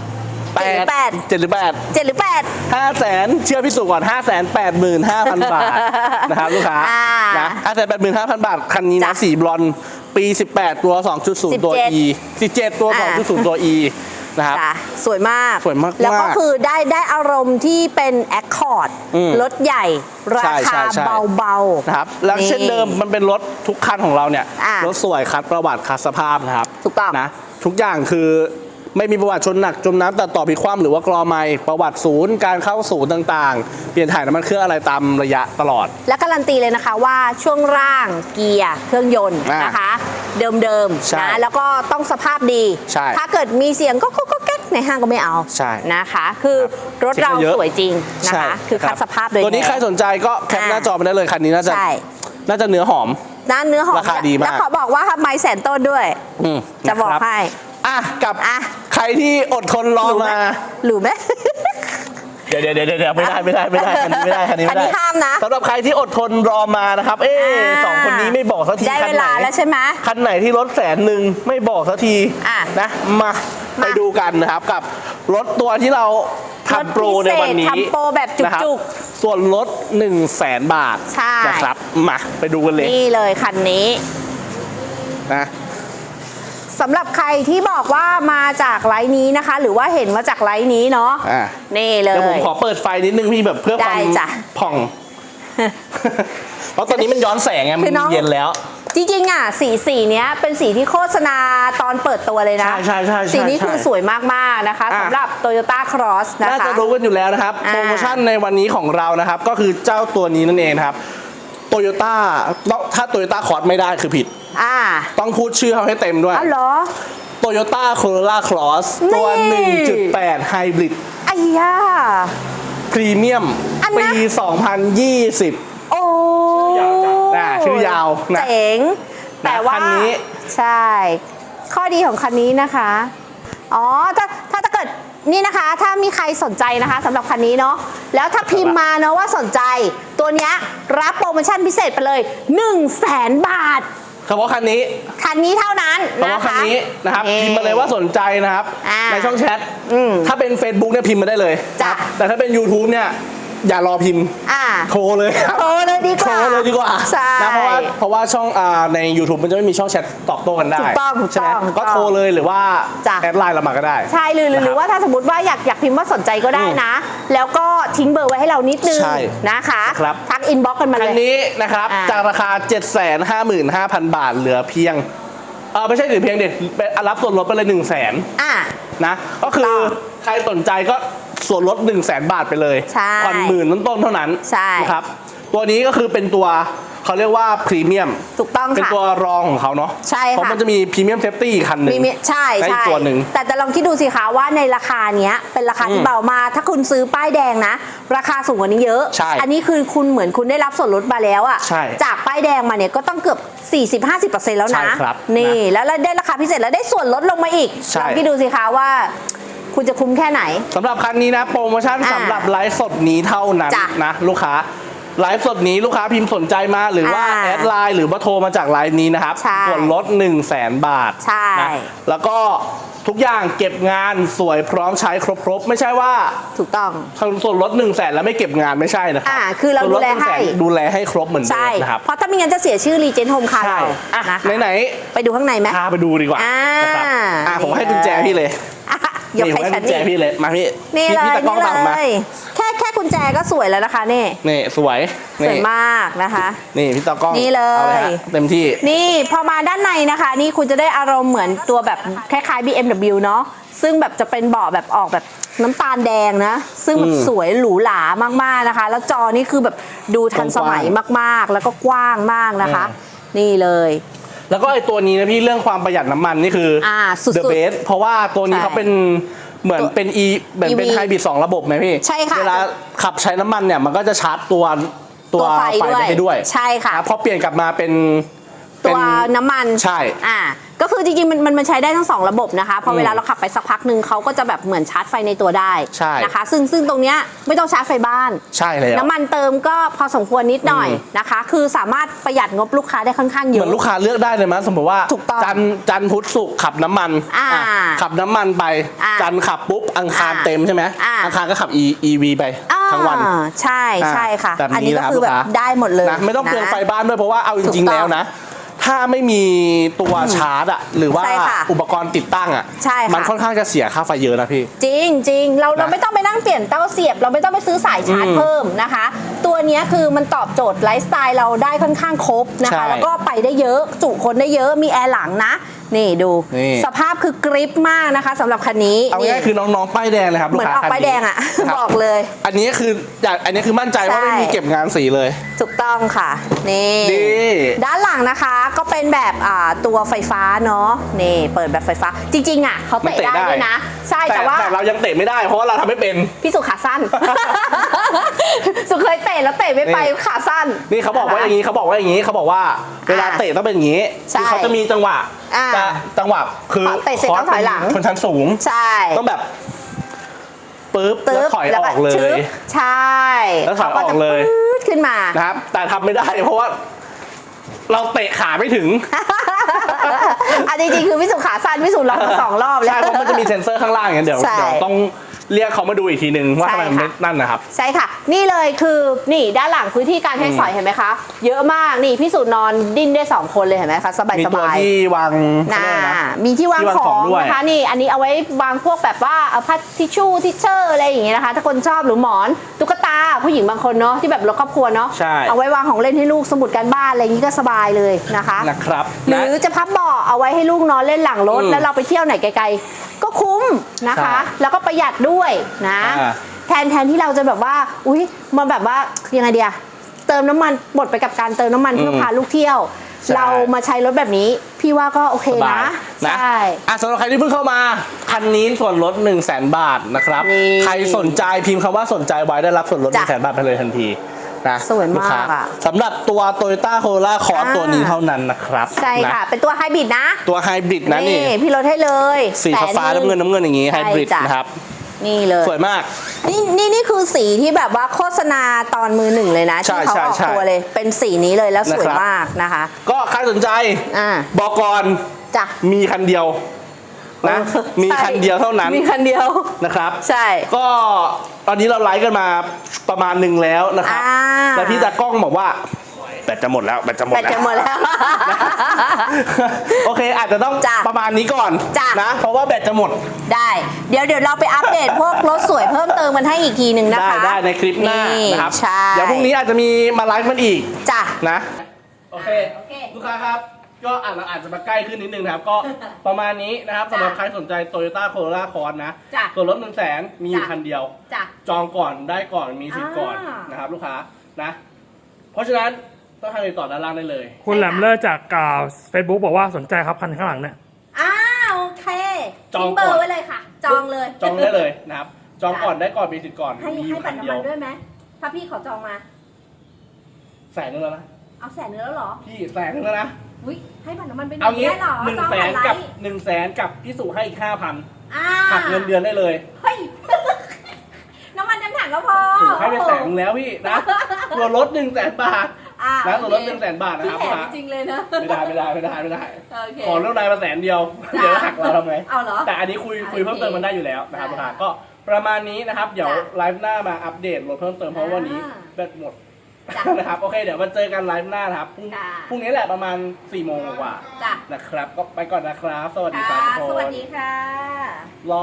Speaker 2: แปด
Speaker 1: แปด
Speaker 2: เจ็ดหรือแปด
Speaker 1: เจ็ดหรือแปด
Speaker 2: ห้าแสนเชื่อพี่สุก่อนห้าแสนแปดหมื่นห้าพันบาทนะครับลูกค้า
Speaker 1: อ่า
Speaker 2: นะห้าแสนแปดหมื่นห้าพันบาทคันนี้นะ
Speaker 1: จ้ะ
Speaker 2: สีบลอนด์ปีสิบแปดตัว สองจุดศูนย์ ตัว E สิบเจ็ดตัว
Speaker 1: อ่า
Speaker 2: สองจุดศูนย์ ตัว E นะครับ
Speaker 1: จ้ะสวยมาก
Speaker 2: สวยมากๆ
Speaker 1: แล้วก็คือได้ได้อารมณ์ที่เป็นแอคคอร์ด
Speaker 2: อืม
Speaker 1: รถใหญ่ รา
Speaker 2: ใช่ใช่
Speaker 1: คา
Speaker 2: ใช่
Speaker 1: เบาๆ
Speaker 2: นะครับแล้วเช่นเดิมมันเป็นรถทุกคันของเราเนี่ย
Speaker 1: อ่าร
Speaker 2: ถสวยคัดประวัติคัดสภาพนะครับ
Speaker 1: ถูกต้อง
Speaker 2: นะทุกอย่างคือไม่มีประวัติชนหนักจมน้ำตัดต่อพิความหรือว่ากรอไมประวัติศูนย์การเข้าศูนย์ต่างๆ เปลี่ยนถ่ายน้ำมันเครื่องอะไรตามระยะตลอด
Speaker 1: และการันตีเลยนะคะว่าช่วงล่างเกียร์เครื่องยนต์
Speaker 2: อ่าน
Speaker 1: นะคะ เดิม
Speaker 2: ใช่
Speaker 1: ๆนะแล้วก็ต้องสภาพดี
Speaker 2: ใช่
Speaker 1: ถ้าเกิดมีเสียงก็ก็ก็แก๊กในห้างก็ไม่เอา
Speaker 2: ใช่
Speaker 1: นะคะ คือรถเรา
Speaker 2: เช็คมาเยอะ
Speaker 1: สวยจริงนะ
Speaker 2: ใช่
Speaker 1: คะ คือคัด
Speaker 2: รับ
Speaker 1: สภาพโดย
Speaker 2: ตัวนี้
Speaker 1: แท้
Speaker 2: ใครสนใจก็แคปหน้าจอไปได้เลยคันนี้น่าจะ
Speaker 1: ใช่
Speaker 2: น่าจะเนื้อหอม
Speaker 1: ด้านเนื้อหอม
Speaker 2: ราคาดีมาก
Speaker 1: แล้วขอบอกว่าไม้แสนต้นด้วย
Speaker 2: อืม
Speaker 1: จะบอก
Speaker 2: นครั
Speaker 1: ให้
Speaker 2: อ่ะกับ
Speaker 1: อ่ะ
Speaker 2: ใครที่อดทนรอ
Speaker 1: หรูไหม
Speaker 2: มา
Speaker 1: หรือไหม
Speaker 2: เดี๋ยวเดี๋ยวเดี๋ยวเดี๋ยวไม่ได้ไม่ได้ไม่ได้คันนี้ไม่ได้คันนี้ไม่ได้
Speaker 1: คันนี้ห้ามนะ
Speaker 2: สำหรับใครที่อดทนรอมานะครับ เอ๊ะ
Speaker 1: อ่า
Speaker 2: สองคนนี้ไม่บอกสักที
Speaker 1: ได้
Speaker 2: คั
Speaker 1: เวน
Speaker 2: ไหน
Speaker 1: ลาแล้วใช่ไหม
Speaker 2: คันไหนที่รถแสนหนึ่งไม่บอกสักที
Speaker 1: อ่ะ
Speaker 2: นะมาไปดูกันนะครับกับรถตัวที่เราทำโปรในวันนี้
Speaker 1: ทำโปรแบบจุกๆ
Speaker 2: นะครับส่วนลดหนึ่งแสนบาท
Speaker 1: ใช่
Speaker 2: นะครับมาไปดูกันเลย
Speaker 1: นี่เลยคันนี้
Speaker 2: นะ
Speaker 1: สำหรับใครที่บอกว่ามาจากไลฟ์นี้นะคะ หรือว่าเห็นมาจากไลฟ์นี้เนาะ
Speaker 2: อ่ะ
Speaker 1: นี่เลย
Speaker 2: เดี๋ยวผมขอเปิดไฟนิดนึงพี่แบบเพื่อความ
Speaker 1: ได้จ้ะ
Speaker 2: ผ่อง เพราะตอนนี้มันย้อนแสงไงมัน
Speaker 1: คือน้อง
Speaker 2: เย็นแล้ว
Speaker 1: จริงๆอ่ะสีสีเนี้ยเป็นสีที่โฆษณาตอนเปิดตัวเลยนะ
Speaker 2: ใช่ใช่ใช่ใช่
Speaker 1: สีนี้
Speaker 2: ใช่
Speaker 1: คือสวยมากๆนะคะ
Speaker 2: อ่ะ
Speaker 1: สำหรับ Toyota Cross นะ
Speaker 2: น่า
Speaker 1: คะ
Speaker 2: จะรู้กันอยู่แล้วนะครับ
Speaker 1: อ่า
Speaker 2: โปรโมชั่นในวันนี้ของเรานะครับ ก็คือเจ้าตัวนี้นั่นเองครับโตโยต้าถ้าโตโยต้าคอร์สไม่ได้คือผิด
Speaker 1: อ่า
Speaker 2: ต้องพูดชื่อเขาให้เต็มด้วย
Speaker 1: อ้าวเหรอ
Speaker 2: โตโยต้าโคโรล่าครอสตัว
Speaker 1: นี่
Speaker 2: หนึ่งจุดแปด ไฮบริด
Speaker 1: ไอ้ย่า
Speaker 2: พรีเมียม
Speaker 1: อัน
Speaker 2: ปี
Speaker 1: นะ
Speaker 2: สองพันยี่สิบ
Speaker 1: โอ้
Speaker 2: อ่าชื่อยาวนะ
Speaker 1: เจ๋ง แต่ว่า
Speaker 2: คันนี้
Speaker 1: ใช่ ข้อดีของคันนี้นะคะ อ๋อ ถ้าถ้าถ้าเกิดนี่นะคะ ถ้ามีใครสนใจนะคะสำหรับคันนี้เนาะ แล้วถ้าพิมพ์มาเนาะว่าสนใจ ตัวเนี้ยรับโปรโมชั่นพิเศษไปเลยหนึ่งแสนบาท
Speaker 2: เฉพาะคันนี้
Speaker 1: คันนี้เท่านั้น
Speaker 2: เฉ
Speaker 1: นะ
Speaker 2: พาะคัน
Speaker 1: คะ
Speaker 2: นี้นะครับ
Speaker 1: นี่
Speaker 2: พิมพ์มาเลยว่าสนใจนะครับ
Speaker 1: อ่า
Speaker 2: ในช่องแชท
Speaker 1: อืม
Speaker 2: ถ้าเป็น Facebook เนี่ยพิมพ์มาได้เลย
Speaker 1: จ้ะ
Speaker 2: แต่ถ้าเป็น YouTube เนี่ยอย่ารอพิมพ์
Speaker 1: อ่า
Speaker 2: โทรเลยครับ
Speaker 1: โทรเลยดีกว่า
Speaker 2: โทรเลยดีกว่า
Speaker 1: ใช่
Speaker 2: นะเพราะว่าเพราะว่าช่องอ่าใน YouTube มันจะไม่มีช่องแชทตอบโต้กันได้
Speaker 1: ถูกต้องถูก
Speaker 2: ใช่ไหม
Speaker 1: ต้องถูกต้อง
Speaker 2: ก็โทรเลยหรือว่า
Speaker 1: จ้ะ
Speaker 2: แอดไลน์เรามาก็ได้
Speaker 1: ใช่หรือหรือ
Speaker 2: นะครับ
Speaker 1: หรือว่าถ้าสมมติว่าอยากอยากพิมพ์ว่าสนใจก็ได้นะ แล้วก็ทิ้งเบอร์ไว้ให้เรานิดนึง
Speaker 2: ใช่
Speaker 1: นะคะ
Speaker 2: ครับ
Speaker 1: ทักอินบ็อกกันมา
Speaker 2: คั
Speaker 1: เล
Speaker 2: น
Speaker 1: ย
Speaker 2: นี้นะครับ
Speaker 1: อ่า
Speaker 2: จากราคา เจ็ดแสนห้าหมื่นห้าพัน บาทเหลือเพียงเออไม่ใช่เหลือเพียงเด็ดรับส่วนลดไปเลยหนึ่งแสน
Speaker 1: อ่ะ
Speaker 2: นะก็คือ
Speaker 1: ถูกต้อง
Speaker 2: ใครสนใจก็ส่วนลด1 0 0 0 0แบาทไปเลย
Speaker 1: ใช่
Speaker 2: ผ่อนหมื่นต้นๆเท่านั้น
Speaker 1: ใช่
Speaker 2: นะครับตัวนี้ก็คือเป็นตัวเขาเรียกว่าพรีเมียม
Speaker 1: ถูกต้อง
Speaker 2: เป็น
Speaker 1: ค่ะ
Speaker 2: ตัวรองของเขาเนาะ
Speaker 1: ใช่ค่ะ
Speaker 2: เพราะมันจะมีพรีเมียมเซฟตี้คันหนึ่ง
Speaker 1: มีมีใช่
Speaker 2: และอี
Speaker 1: ใช่
Speaker 2: กตัวหนึ่ง
Speaker 1: แต่แต่ลองคิดดูสิคะว่าในราคาเนี้ยเป็นราคาที่
Speaker 2: อืม
Speaker 1: เบามากถ้าคุณซื้อป้ายแดงนะ ราคาสูงกว่านี้เยอะ
Speaker 2: ใช่
Speaker 1: อันนี้คือคุณเหมือนคุณได้รับส่วนลดมาแล้วอะ
Speaker 2: ใช่
Speaker 1: จากป้ายแดงมาเนี่ยก็ต้องเกือบ สี่สิบถึงห้าสิบเปอร์เซ็นต์ แล้วนะ
Speaker 2: ใช่ครับ
Speaker 1: นี่
Speaker 2: นะ
Speaker 1: แล้วแล้วได้ราคาพิเศษแล้วได้ส่วนลดลงมาอีก
Speaker 2: ใช่
Speaker 1: ลองคิดดูสิคะว่า คุณจะคุ้มแค่ไหน
Speaker 2: สำหรับคันนี้นะโปรโมชั่น
Speaker 1: อ่า
Speaker 2: สำหรับไลฟ์สดนี้เท่านั้น
Speaker 1: จ้ะ
Speaker 2: นะลูกค้าไลฟ์สดนี้ลูกค้าพิมพ์สนใจมาหรือว่า
Speaker 1: อ่า
Speaker 2: แอดไลน์หรือว่าโทรมาจากไลน์นี้นะครับ
Speaker 1: ใช่
Speaker 2: ส่วนลด1 0 0 0 0แสนบาท
Speaker 1: ใช่
Speaker 2: นะแล้วก็ทุกอย่างเก็บงานสวยพร้อมใช้ครบๆไม่ใช่ว่า
Speaker 1: ถูกต้อง
Speaker 2: ส่วนลด1 0 0 0 0แสนแล้วไม่เก็บงานไม่ใช่นะครั
Speaker 1: อ่าคือเรา
Speaker 2: ส่วน
Speaker 1: ดู
Speaker 2: ด
Speaker 1: แล
Speaker 2: 1 0 0 0 0
Speaker 1: ให้
Speaker 2: ดูแลให้ครบเหมือนเดิ
Speaker 1: ใช่
Speaker 2: มนะครับ
Speaker 1: เพราะถ้าไม่งั้นจะเสียชื่อรีเจนโฮมคาร์
Speaker 2: ใช่
Speaker 1: เรา
Speaker 2: อ่ะ
Speaker 1: นะคะ
Speaker 2: ไหน
Speaker 1: ไปดูข้างในไหม
Speaker 2: ๆพาไปดูดีกว่า
Speaker 1: อ่า
Speaker 2: นะครับอ่ะผมให้กุญแจพี่เลย
Speaker 1: อ่ะยก
Speaker 2: นี่ผม
Speaker 1: ให้
Speaker 2: ให้
Speaker 1: ฉั
Speaker 2: กุ
Speaker 1: น
Speaker 2: ญแจ
Speaker 1: นี่
Speaker 2: พี่เลยมาพี่
Speaker 1: นี่
Speaker 2: พี่
Speaker 1: เลย
Speaker 2: พี่ตะกล้อง
Speaker 1: นี่
Speaker 2: ตามมา
Speaker 1: เลยแค่แค่กุญแจก็สวยแล้วนะคะนี่
Speaker 2: นี่สวย
Speaker 1: สวยมากนะคะ
Speaker 2: นี่พี่ตากล้อง
Speaker 1: นี่เลย
Speaker 2: อาฮะเต็มที่
Speaker 1: นี่พอมาด้านในนะคะ นี่คุณจะได้อารมณ์เหมือนตัวแบบคล้ายๆ บี เอ็ม ดับเบิลยู เนาะซึ่งแบบจะเป็นเบาะแบบออกแบบน้ำตาลแดงนะ ซึ่งแบบ
Speaker 2: อืม
Speaker 1: สวยหรูหรามากๆนะคะ แล้วจอนี่คือแบบดูทันสมัยมากๆ แล้วก็กว้างมากนะคะ นี่เลย
Speaker 2: แล้วก็ไอตัวนี้นะพี่เรื่องความประหยัดน้ำมันนี่คืออ
Speaker 1: อ่าสุดๆ
Speaker 2: the best เพราะว่าตัวนี้
Speaker 1: ใช่
Speaker 2: เขาเป็นเหมือนเป็น e เหมือนเป็น
Speaker 1: อี วี
Speaker 2: ไฮบริดสองระบบไหมพี่
Speaker 1: ใช่ค่ะ
Speaker 2: เวลาขับใช้น้ำมันเนี่ยมันก็จะชาร์จตัวตัว
Speaker 1: ตัวไฟ
Speaker 2: ไฟ
Speaker 1: ด้วย
Speaker 2: ไปให้ด้วย
Speaker 1: ใช่ค่ะ
Speaker 2: นะพอเปลี่ยนกลับมาเป็น
Speaker 1: ตัว
Speaker 2: เป็น
Speaker 1: น้ำมัน
Speaker 2: ใช่
Speaker 1: อ่าก็คือจริงๆมันมันมันใช้ได้ทั้งสองระบบนะคะพอเวลาเราขับไปสักพักหนึ่งเขาก็จะแบบเหมือนชาร์จไฟในตัวได้
Speaker 2: ใช่
Speaker 1: นะคะซึ่งซึ่งตรงเนี้ยไม่ต้องชาร์จไฟบ้าน
Speaker 2: ใช่เลย
Speaker 1: น้ำมันเติมก็พอสมควรนิดหน่อยนะคะ คือสามารถประหยัดงบลูกค้าได้ค่อนข้างเย
Speaker 2: เหมื
Speaker 1: อะ
Speaker 2: อนลูกค้าเลือกได้เลยมั้ยสมมติว่า
Speaker 1: ถูกต้อง
Speaker 2: จันทร์จันทร์พุธศุกร์ขับน้ำมัน
Speaker 1: อ่า
Speaker 2: อ่ะขับน้ำมันไป
Speaker 1: อ่า
Speaker 2: จันทร์ขับปุ๊บอังคาร
Speaker 1: อ่า
Speaker 2: เต็มใช่ไหม
Speaker 1: อ่า
Speaker 2: อังคารก็ขับ E EV ไปทั้งวัน
Speaker 1: อ่าใช่ใช่ค่ะ
Speaker 2: แบบนี้
Speaker 1: อันนี้ก็
Speaker 2: นะครับ
Speaker 1: คือแบบ
Speaker 2: ลูกค้า
Speaker 1: ได้หมดเลย
Speaker 2: นะไม่ต้องเปลือง
Speaker 1: นะ
Speaker 2: ไฟบ้านด้วยเพราะว่าเอาจ
Speaker 1: ถู
Speaker 2: ริง
Speaker 1: ก
Speaker 2: ๆ
Speaker 1: ต้อง
Speaker 2: แล้วนะ ถ้าไม่มีตัวชาร์จอะหรือว่า
Speaker 1: ใช่ค่ะ
Speaker 2: อุปกรณ์ติดตั้งอะ
Speaker 1: ใช่ค่ะ
Speaker 2: มันค่อนข้างจะเสียค่าไฟเยอะนะพี่
Speaker 1: จริงจริงเราเรา
Speaker 2: นะ
Speaker 1: ไม่ต้องไปนั่งเปลี่ยนเต้าเสียบ เราไม่ต้องไปซื้อสายชาร์จ
Speaker 2: อืม
Speaker 1: เพิ่มนะคะ ตัวเนี้ยคือมันตอบโจทย์ไลฟ์สไตล์เราได้ค่อนข้างครบนะ
Speaker 2: ใช่
Speaker 1: คะ แล้วก็ไปได้เยอะจุคนได้เยอะมีแอร์หลังนะ นี่ดู
Speaker 2: นี่
Speaker 1: สภาพคือกริปมากนะคะสำหรับคันนี้
Speaker 2: เอาง่ายๆคือน้องๆป้ายแดงเลยครับ
Speaker 1: เห
Speaker 2: ลู
Speaker 1: มื
Speaker 2: ก
Speaker 1: อน
Speaker 2: ค้า
Speaker 1: ออก
Speaker 2: คัน
Speaker 1: ป้าย
Speaker 2: นี้
Speaker 1: แดงอ่ะ
Speaker 2: นะครับ
Speaker 1: บอกเลย
Speaker 2: อันนี้คืออยากอันนี้คือมั่นใจว่า
Speaker 1: ใช่
Speaker 2: ไม่มีเก็บงานสีเลย
Speaker 1: ถูกต้องค่ะนี่
Speaker 2: นี่
Speaker 1: ด้านหลังนะคะก็เป็นแบบอ่าตัวไฟฟ้าเนาะนี่เปิดแบบไฟฟ้า จริงๆอ่ะเขา
Speaker 2: มัน
Speaker 1: เตะ
Speaker 2: เตะ
Speaker 1: ได้
Speaker 2: ได้
Speaker 1: ด้วยนะ ใช่
Speaker 2: แต่
Speaker 1: แต่ว่า
Speaker 2: แต่เรายังเตะไม่ได้เพราะว่าเราทำไม่เป็น
Speaker 1: พี่สุขาสั้น สุเคยเตะแล้วเตะไม่ไป
Speaker 2: นี่
Speaker 1: ขาสั้น
Speaker 2: นี่เขาบอกว่าอย่าง
Speaker 1: นี้
Speaker 2: นี้เขาบอกว่าอย่างนี้เขาบอกว่าเวลาเตะต้องเป็นอย่างนี้
Speaker 1: ใช่
Speaker 2: คือเขาจะมีจังหวะ
Speaker 1: อ่า
Speaker 2: จะจังหวะคือ
Speaker 1: เตะเสร็จต้องถอยหลัง
Speaker 2: ชนชั้นสูง
Speaker 1: ใช่
Speaker 2: ต้องแบบปึ๊บ
Speaker 1: ตึ๊
Speaker 2: แล้ว
Speaker 1: บ
Speaker 2: ถอย
Speaker 1: แล้
Speaker 2: อ
Speaker 1: ว
Speaker 2: อกเล
Speaker 1: ชึ
Speaker 2: ย
Speaker 1: บใช่
Speaker 2: แล้วถอยออกเลย
Speaker 1: ขาจะปื๊ดขึ้นมา
Speaker 2: นะครับ แต่ทำไม่ได้เพราะว่า เราเตะขาไม่ถึง
Speaker 1: อันจริงๆคือพี่สุขาสั้นพี่สุลองมาสองรอบแล้ว
Speaker 2: ใช่เพราะมันจะมีเซ็นเซอร์ข้างล่างอย่างเงี้ยเดี๋ยว
Speaker 1: ใช่
Speaker 2: เดี๋ยวต้องเรียกเขามาดูอีกทีนึงว่า
Speaker 1: ใช่
Speaker 2: ทำไมมันไม่
Speaker 1: ค่ะ
Speaker 2: นั่นนะครับ
Speaker 1: ใช่ค่ะ นี่เลยคือนี่ด้านหลังพื้นที่การใช้สอยเห็นไหมคะ เยอะมากนี่พี่สุนอนดิ้นได้สองคนเลยเห็นไหมคะสบาย
Speaker 2: มี
Speaker 1: ส
Speaker 2: ตัว
Speaker 1: บาย
Speaker 2: ที่วาง
Speaker 1: นะ
Speaker 2: เขาเรียกอะไรนะ
Speaker 1: มีที่วาง
Speaker 2: ที่วาง
Speaker 1: ข
Speaker 2: ข
Speaker 1: อ
Speaker 2: อง
Speaker 1: ง
Speaker 2: ด้วย
Speaker 1: นะคะนี่อันนี้เอาไว้วางพวกแบบว่าเอาพัดทิชชู่ทิชเชอร์อะไรอย่างเงี้ยนะคะ ถ้าคนชอบหรือหมอนตุ๊กตาผู้หญิงบางคนเนาะที่แบบรถครอบครัวเนาะ
Speaker 2: ใช่
Speaker 1: เอาไว้วางของเล่นให้ลูกสมุดการบ้านอะไรอย่างงี้ก็สบายเลยนะคะ
Speaker 2: นะครับ
Speaker 1: หรือจะพับเบาะเอาไว้ให้ลูกนอนเล่นหลังรถ
Speaker 2: อืม
Speaker 1: แล้วเราไปเที่ยวไหนไกลๆก็คุ้มนะคะ
Speaker 2: ใช่
Speaker 1: แล้วก็ประหยัดด้วยนะ
Speaker 2: อ่า
Speaker 1: แทนแทนที่เราจะแบบว่าอุ้ยมันแบบว่ายังไงเดียเติมน้ำมันหมดไปกับการเติมน้ำมันเพื่อพาลูกเที่ยว
Speaker 2: ใช่
Speaker 1: เรามาใช้รถแบบนี้ พี่ว่าก็โอเค
Speaker 2: สบาย
Speaker 1: นะ
Speaker 2: นะ
Speaker 1: ใช่
Speaker 2: อ่ะสำหรับใครที่เพิ่งเข้ามา คันนี้ส่วนลด1 0 0 0 0แบาทนะครับ
Speaker 1: นี่
Speaker 2: ใครสนใจพิมพ์คำว่าสนใจไว้ได้รับส่วนลด1 0 0 0
Speaker 1: จ้ะ
Speaker 2: 0แบาทไปเลยทันทีนะ
Speaker 1: สวยมาก
Speaker 2: ลูค้
Speaker 1: อะ
Speaker 2: สำหรับตัว Toyota Corolla Cross
Speaker 1: อ่า
Speaker 2: ตัวนี้เท่านั้นนะครับ
Speaker 1: ใช่ค่ะ
Speaker 2: น
Speaker 1: เป็นตัวไฮบริดนะ
Speaker 2: ตัวไฮบริดนะนี่
Speaker 1: พี่ลดให้เลย
Speaker 2: สีฟ้าๆน้ำเงินน้ำเงินอย่างงี้ไฮ
Speaker 1: ใช่
Speaker 2: บริด
Speaker 1: จ้ะ
Speaker 2: นะครับ
Speaker 1: นี่เลย
Speaker 2: สวยมาก
Speaker 1: นี่นี่นี่คือสีที่แบบว่าโฆษณาตอนมือหนึ่งเลยนะ
Speaker 2: ใช่
Speaker 1: ที่เขา
Speaker 2: ใช่
Speaker 1: ออก
Speaker 2: ใช่
Speaker 1: ตัวเลย เป็นสีนี้เลยแล้วสวย
Speaker 2: นะครับ
Speaker 1: มากนะคะ
Speaker 2: ก็ใครสนใจ
Speaker 1: อ่า
Speaker 2: บอกก่อน
Speaker 1: จ้ะ
Speaker 2: มีคันเดียวนะมี
Speaker 1: ใช่
Speaker 2: คันเดียวเท่านั้น
Speaker 1: มีคันเดียว
Speaker 2: นะครับ
Speaker 1: ใช่
Speaker 2: ก็ตอนนี้เราไลฟ์กันมาประมาณหนึ่งแล้วนะครับ
Speaker 1: อ่า
Speaker 2: แล้วพี่ตากล้องบอกว่าแบตจะหมดแล้วแบตจะหมด
Speaker 1: แบต
Speaker 2: แล้ว
Speaker 1: จะหมดแล้ว
Speaker 2: โอเคอาจจะต้อง
Speaker 1: จ้ะ
Speaker 2: ประมาณนี้ก่อน
Speaker 1: จ้ะ
Speaker 2: นะ เพราะว่าแบตจะหมด
Speaker 1: ได้ เดี๋ยวเดี๋ยวเราไปอัปเดตพวกรถสวยเพิ่มเติมมันให้อีกทีหนึ่งนะ
Speaker 2: ได้
Speaker 1: คะ
Speaker 2: ได้ในคลิปหน้านะครับ
Speaker 1: ใช่
Speaker 2: เดี๋ยวพรุ่งนี้อาจจะมีมาไลฟ์มันอีก
Speaker 1: จ้ะ
Speaker 2: นะโอเค
Speaker 1: โอเค
Speaker 2: ลูกค้าครับ ก็อาจเราอาจจะมาใกล้ขึ้นนิดนึงนะครับ ก็ประมาณนี้นะครับสำหรับใครสนใจ Toyota Corolla Cross นะ
Speaker 1: จ้ะ
Speaker 2: ส่วนลดหนึ่งแสนมีอยู่
Speaker 1: จ้ะ
Speaker 2: คันเดียว
Speaker 1: จ้ะ
Speaker 2: จองก่อนได้ก่อนมีสิทธิ์ก่อน
Speaker 1: อ่าน
Speaker 2: นะครับ ลูกค้านะ เพราะฉะนั้นต้องทางติดต่อด้านล่างได้เลย
Speaker 3: คุณแหลมเลิศจากเฟซบุ๊กบอกว่าสนใจครับคันข้างหลังเนี่ย
Speaker 1: อ่าโอเค
Speaker 2: จอง
Speaker 1: ทิ้งเบอ
Speaker 2: ก่อน
Speaker 1: ร์ไว้เลยค่ะ จองเลย
Speaker 2: จองได้เลยนะครับ จองก่อนได้ก่อนมีสิทธิ์ก่อน
Speaker 1: ให้
Speaker 2: มีอ
Speaker 1: ให้
Speaker 2: ยู่
Speaker 1: บั
Speaker 2: คั
Speaker 1: ตร
Speaker 2: น
Speaker 1: น้ำ
Speaker 2: เดีย
Speaker 1: มั
Speaker 2: วน
Speaker 1: ด้วยไหมถ้าพี่เขาจองมา
Speaker 2: แสนนึงแล้วนะ
Speaker 1: เอาแสนเนื้อแล้วเหรอ
Speaker 2: พี่แสนนึงแล้วนะ
Speaker 1: อุ้ยให้บัตรน้ำมันไปหน่
Speaker 2: เอา
Speaker 1: อย
Speaker 2: งี้
Speaker 1: ได้เหรอ
Speaker 2: หนึ่ง
Speaker 1: จอง
Speaker 2: แส
Speaker 1: ผ่าน นไล
Speaker 2: กับ
Speaker 1: น์
Speaker 2: หนึ่งแสนกับพี่สุให้อีกห้าพัน
Speaker 1: อ่า
Speaker 2: หักเงินเดือนได้เลย
Speaker 1: เฮ้ย น้ำมันเต็มถังก็พอ
Speaker 2: ถูกให้ไปแสนนึงแล้วพี่นะส่วนลดหนึ่งแสนบาท
Speaker 1: อ่า
Speaker 2: นะส่วนลด
Speaker 1: โอ
Speaker 2: หนึ่งแสนบาทนะ
Speaker 1: พี่
Speaker 2: ครับ
Speaker 1: แถ
Speaker 2: ลูก
Speaker 1: ม
Speaker 2: ค้า
Speaker 1: จริงเลยนะ
Speaker 2: ไม่ได้ไม่ได้ไม่ได้ไม่ได้
Speaker 1: โอเค
Speaker 2: ขอเรื่องรายมาแสนเดียว
Speaker 1: จ้ะ
Speaker 2: เดี๋ยวหักเราทำไง
Speaker 1: เอาเหรอ
Speaker 2: แต่อันนี้คุยคุยเพิ่มเติมมันได้อยู่แล้วนะครับลูกค้าก็ประมาณนี้นะครับ เดี๋ยว
Speaker 1: จ้ะ
Speaker 2: ไลฟ์หน้ามาอัปเดตลดเพิ่มเติมเพราะวันนี้
Speaker 1: อ่า
Speaker 2: แบตหมด
Speaker 1: จ้ะ
Speaker 2: นะครับโอเคเดี๋ยวมาเจอกันไลฟ์หน้านะครับพรุ่ง
Speaker 1: จ้ะ
Speaker 2: พรุ่งนี้แหละประมาณสี่โมงกว่า
Speaker 1: จ้ะ
Speaker 2: นะครับ ก็ไปก่อนนะครับ สวัสดีครับ
Speaker 1: ค่ะ
Speaker 2: ทุกคน
Speaker 1: สวัสดีค่ะ
Speaker 2: รอ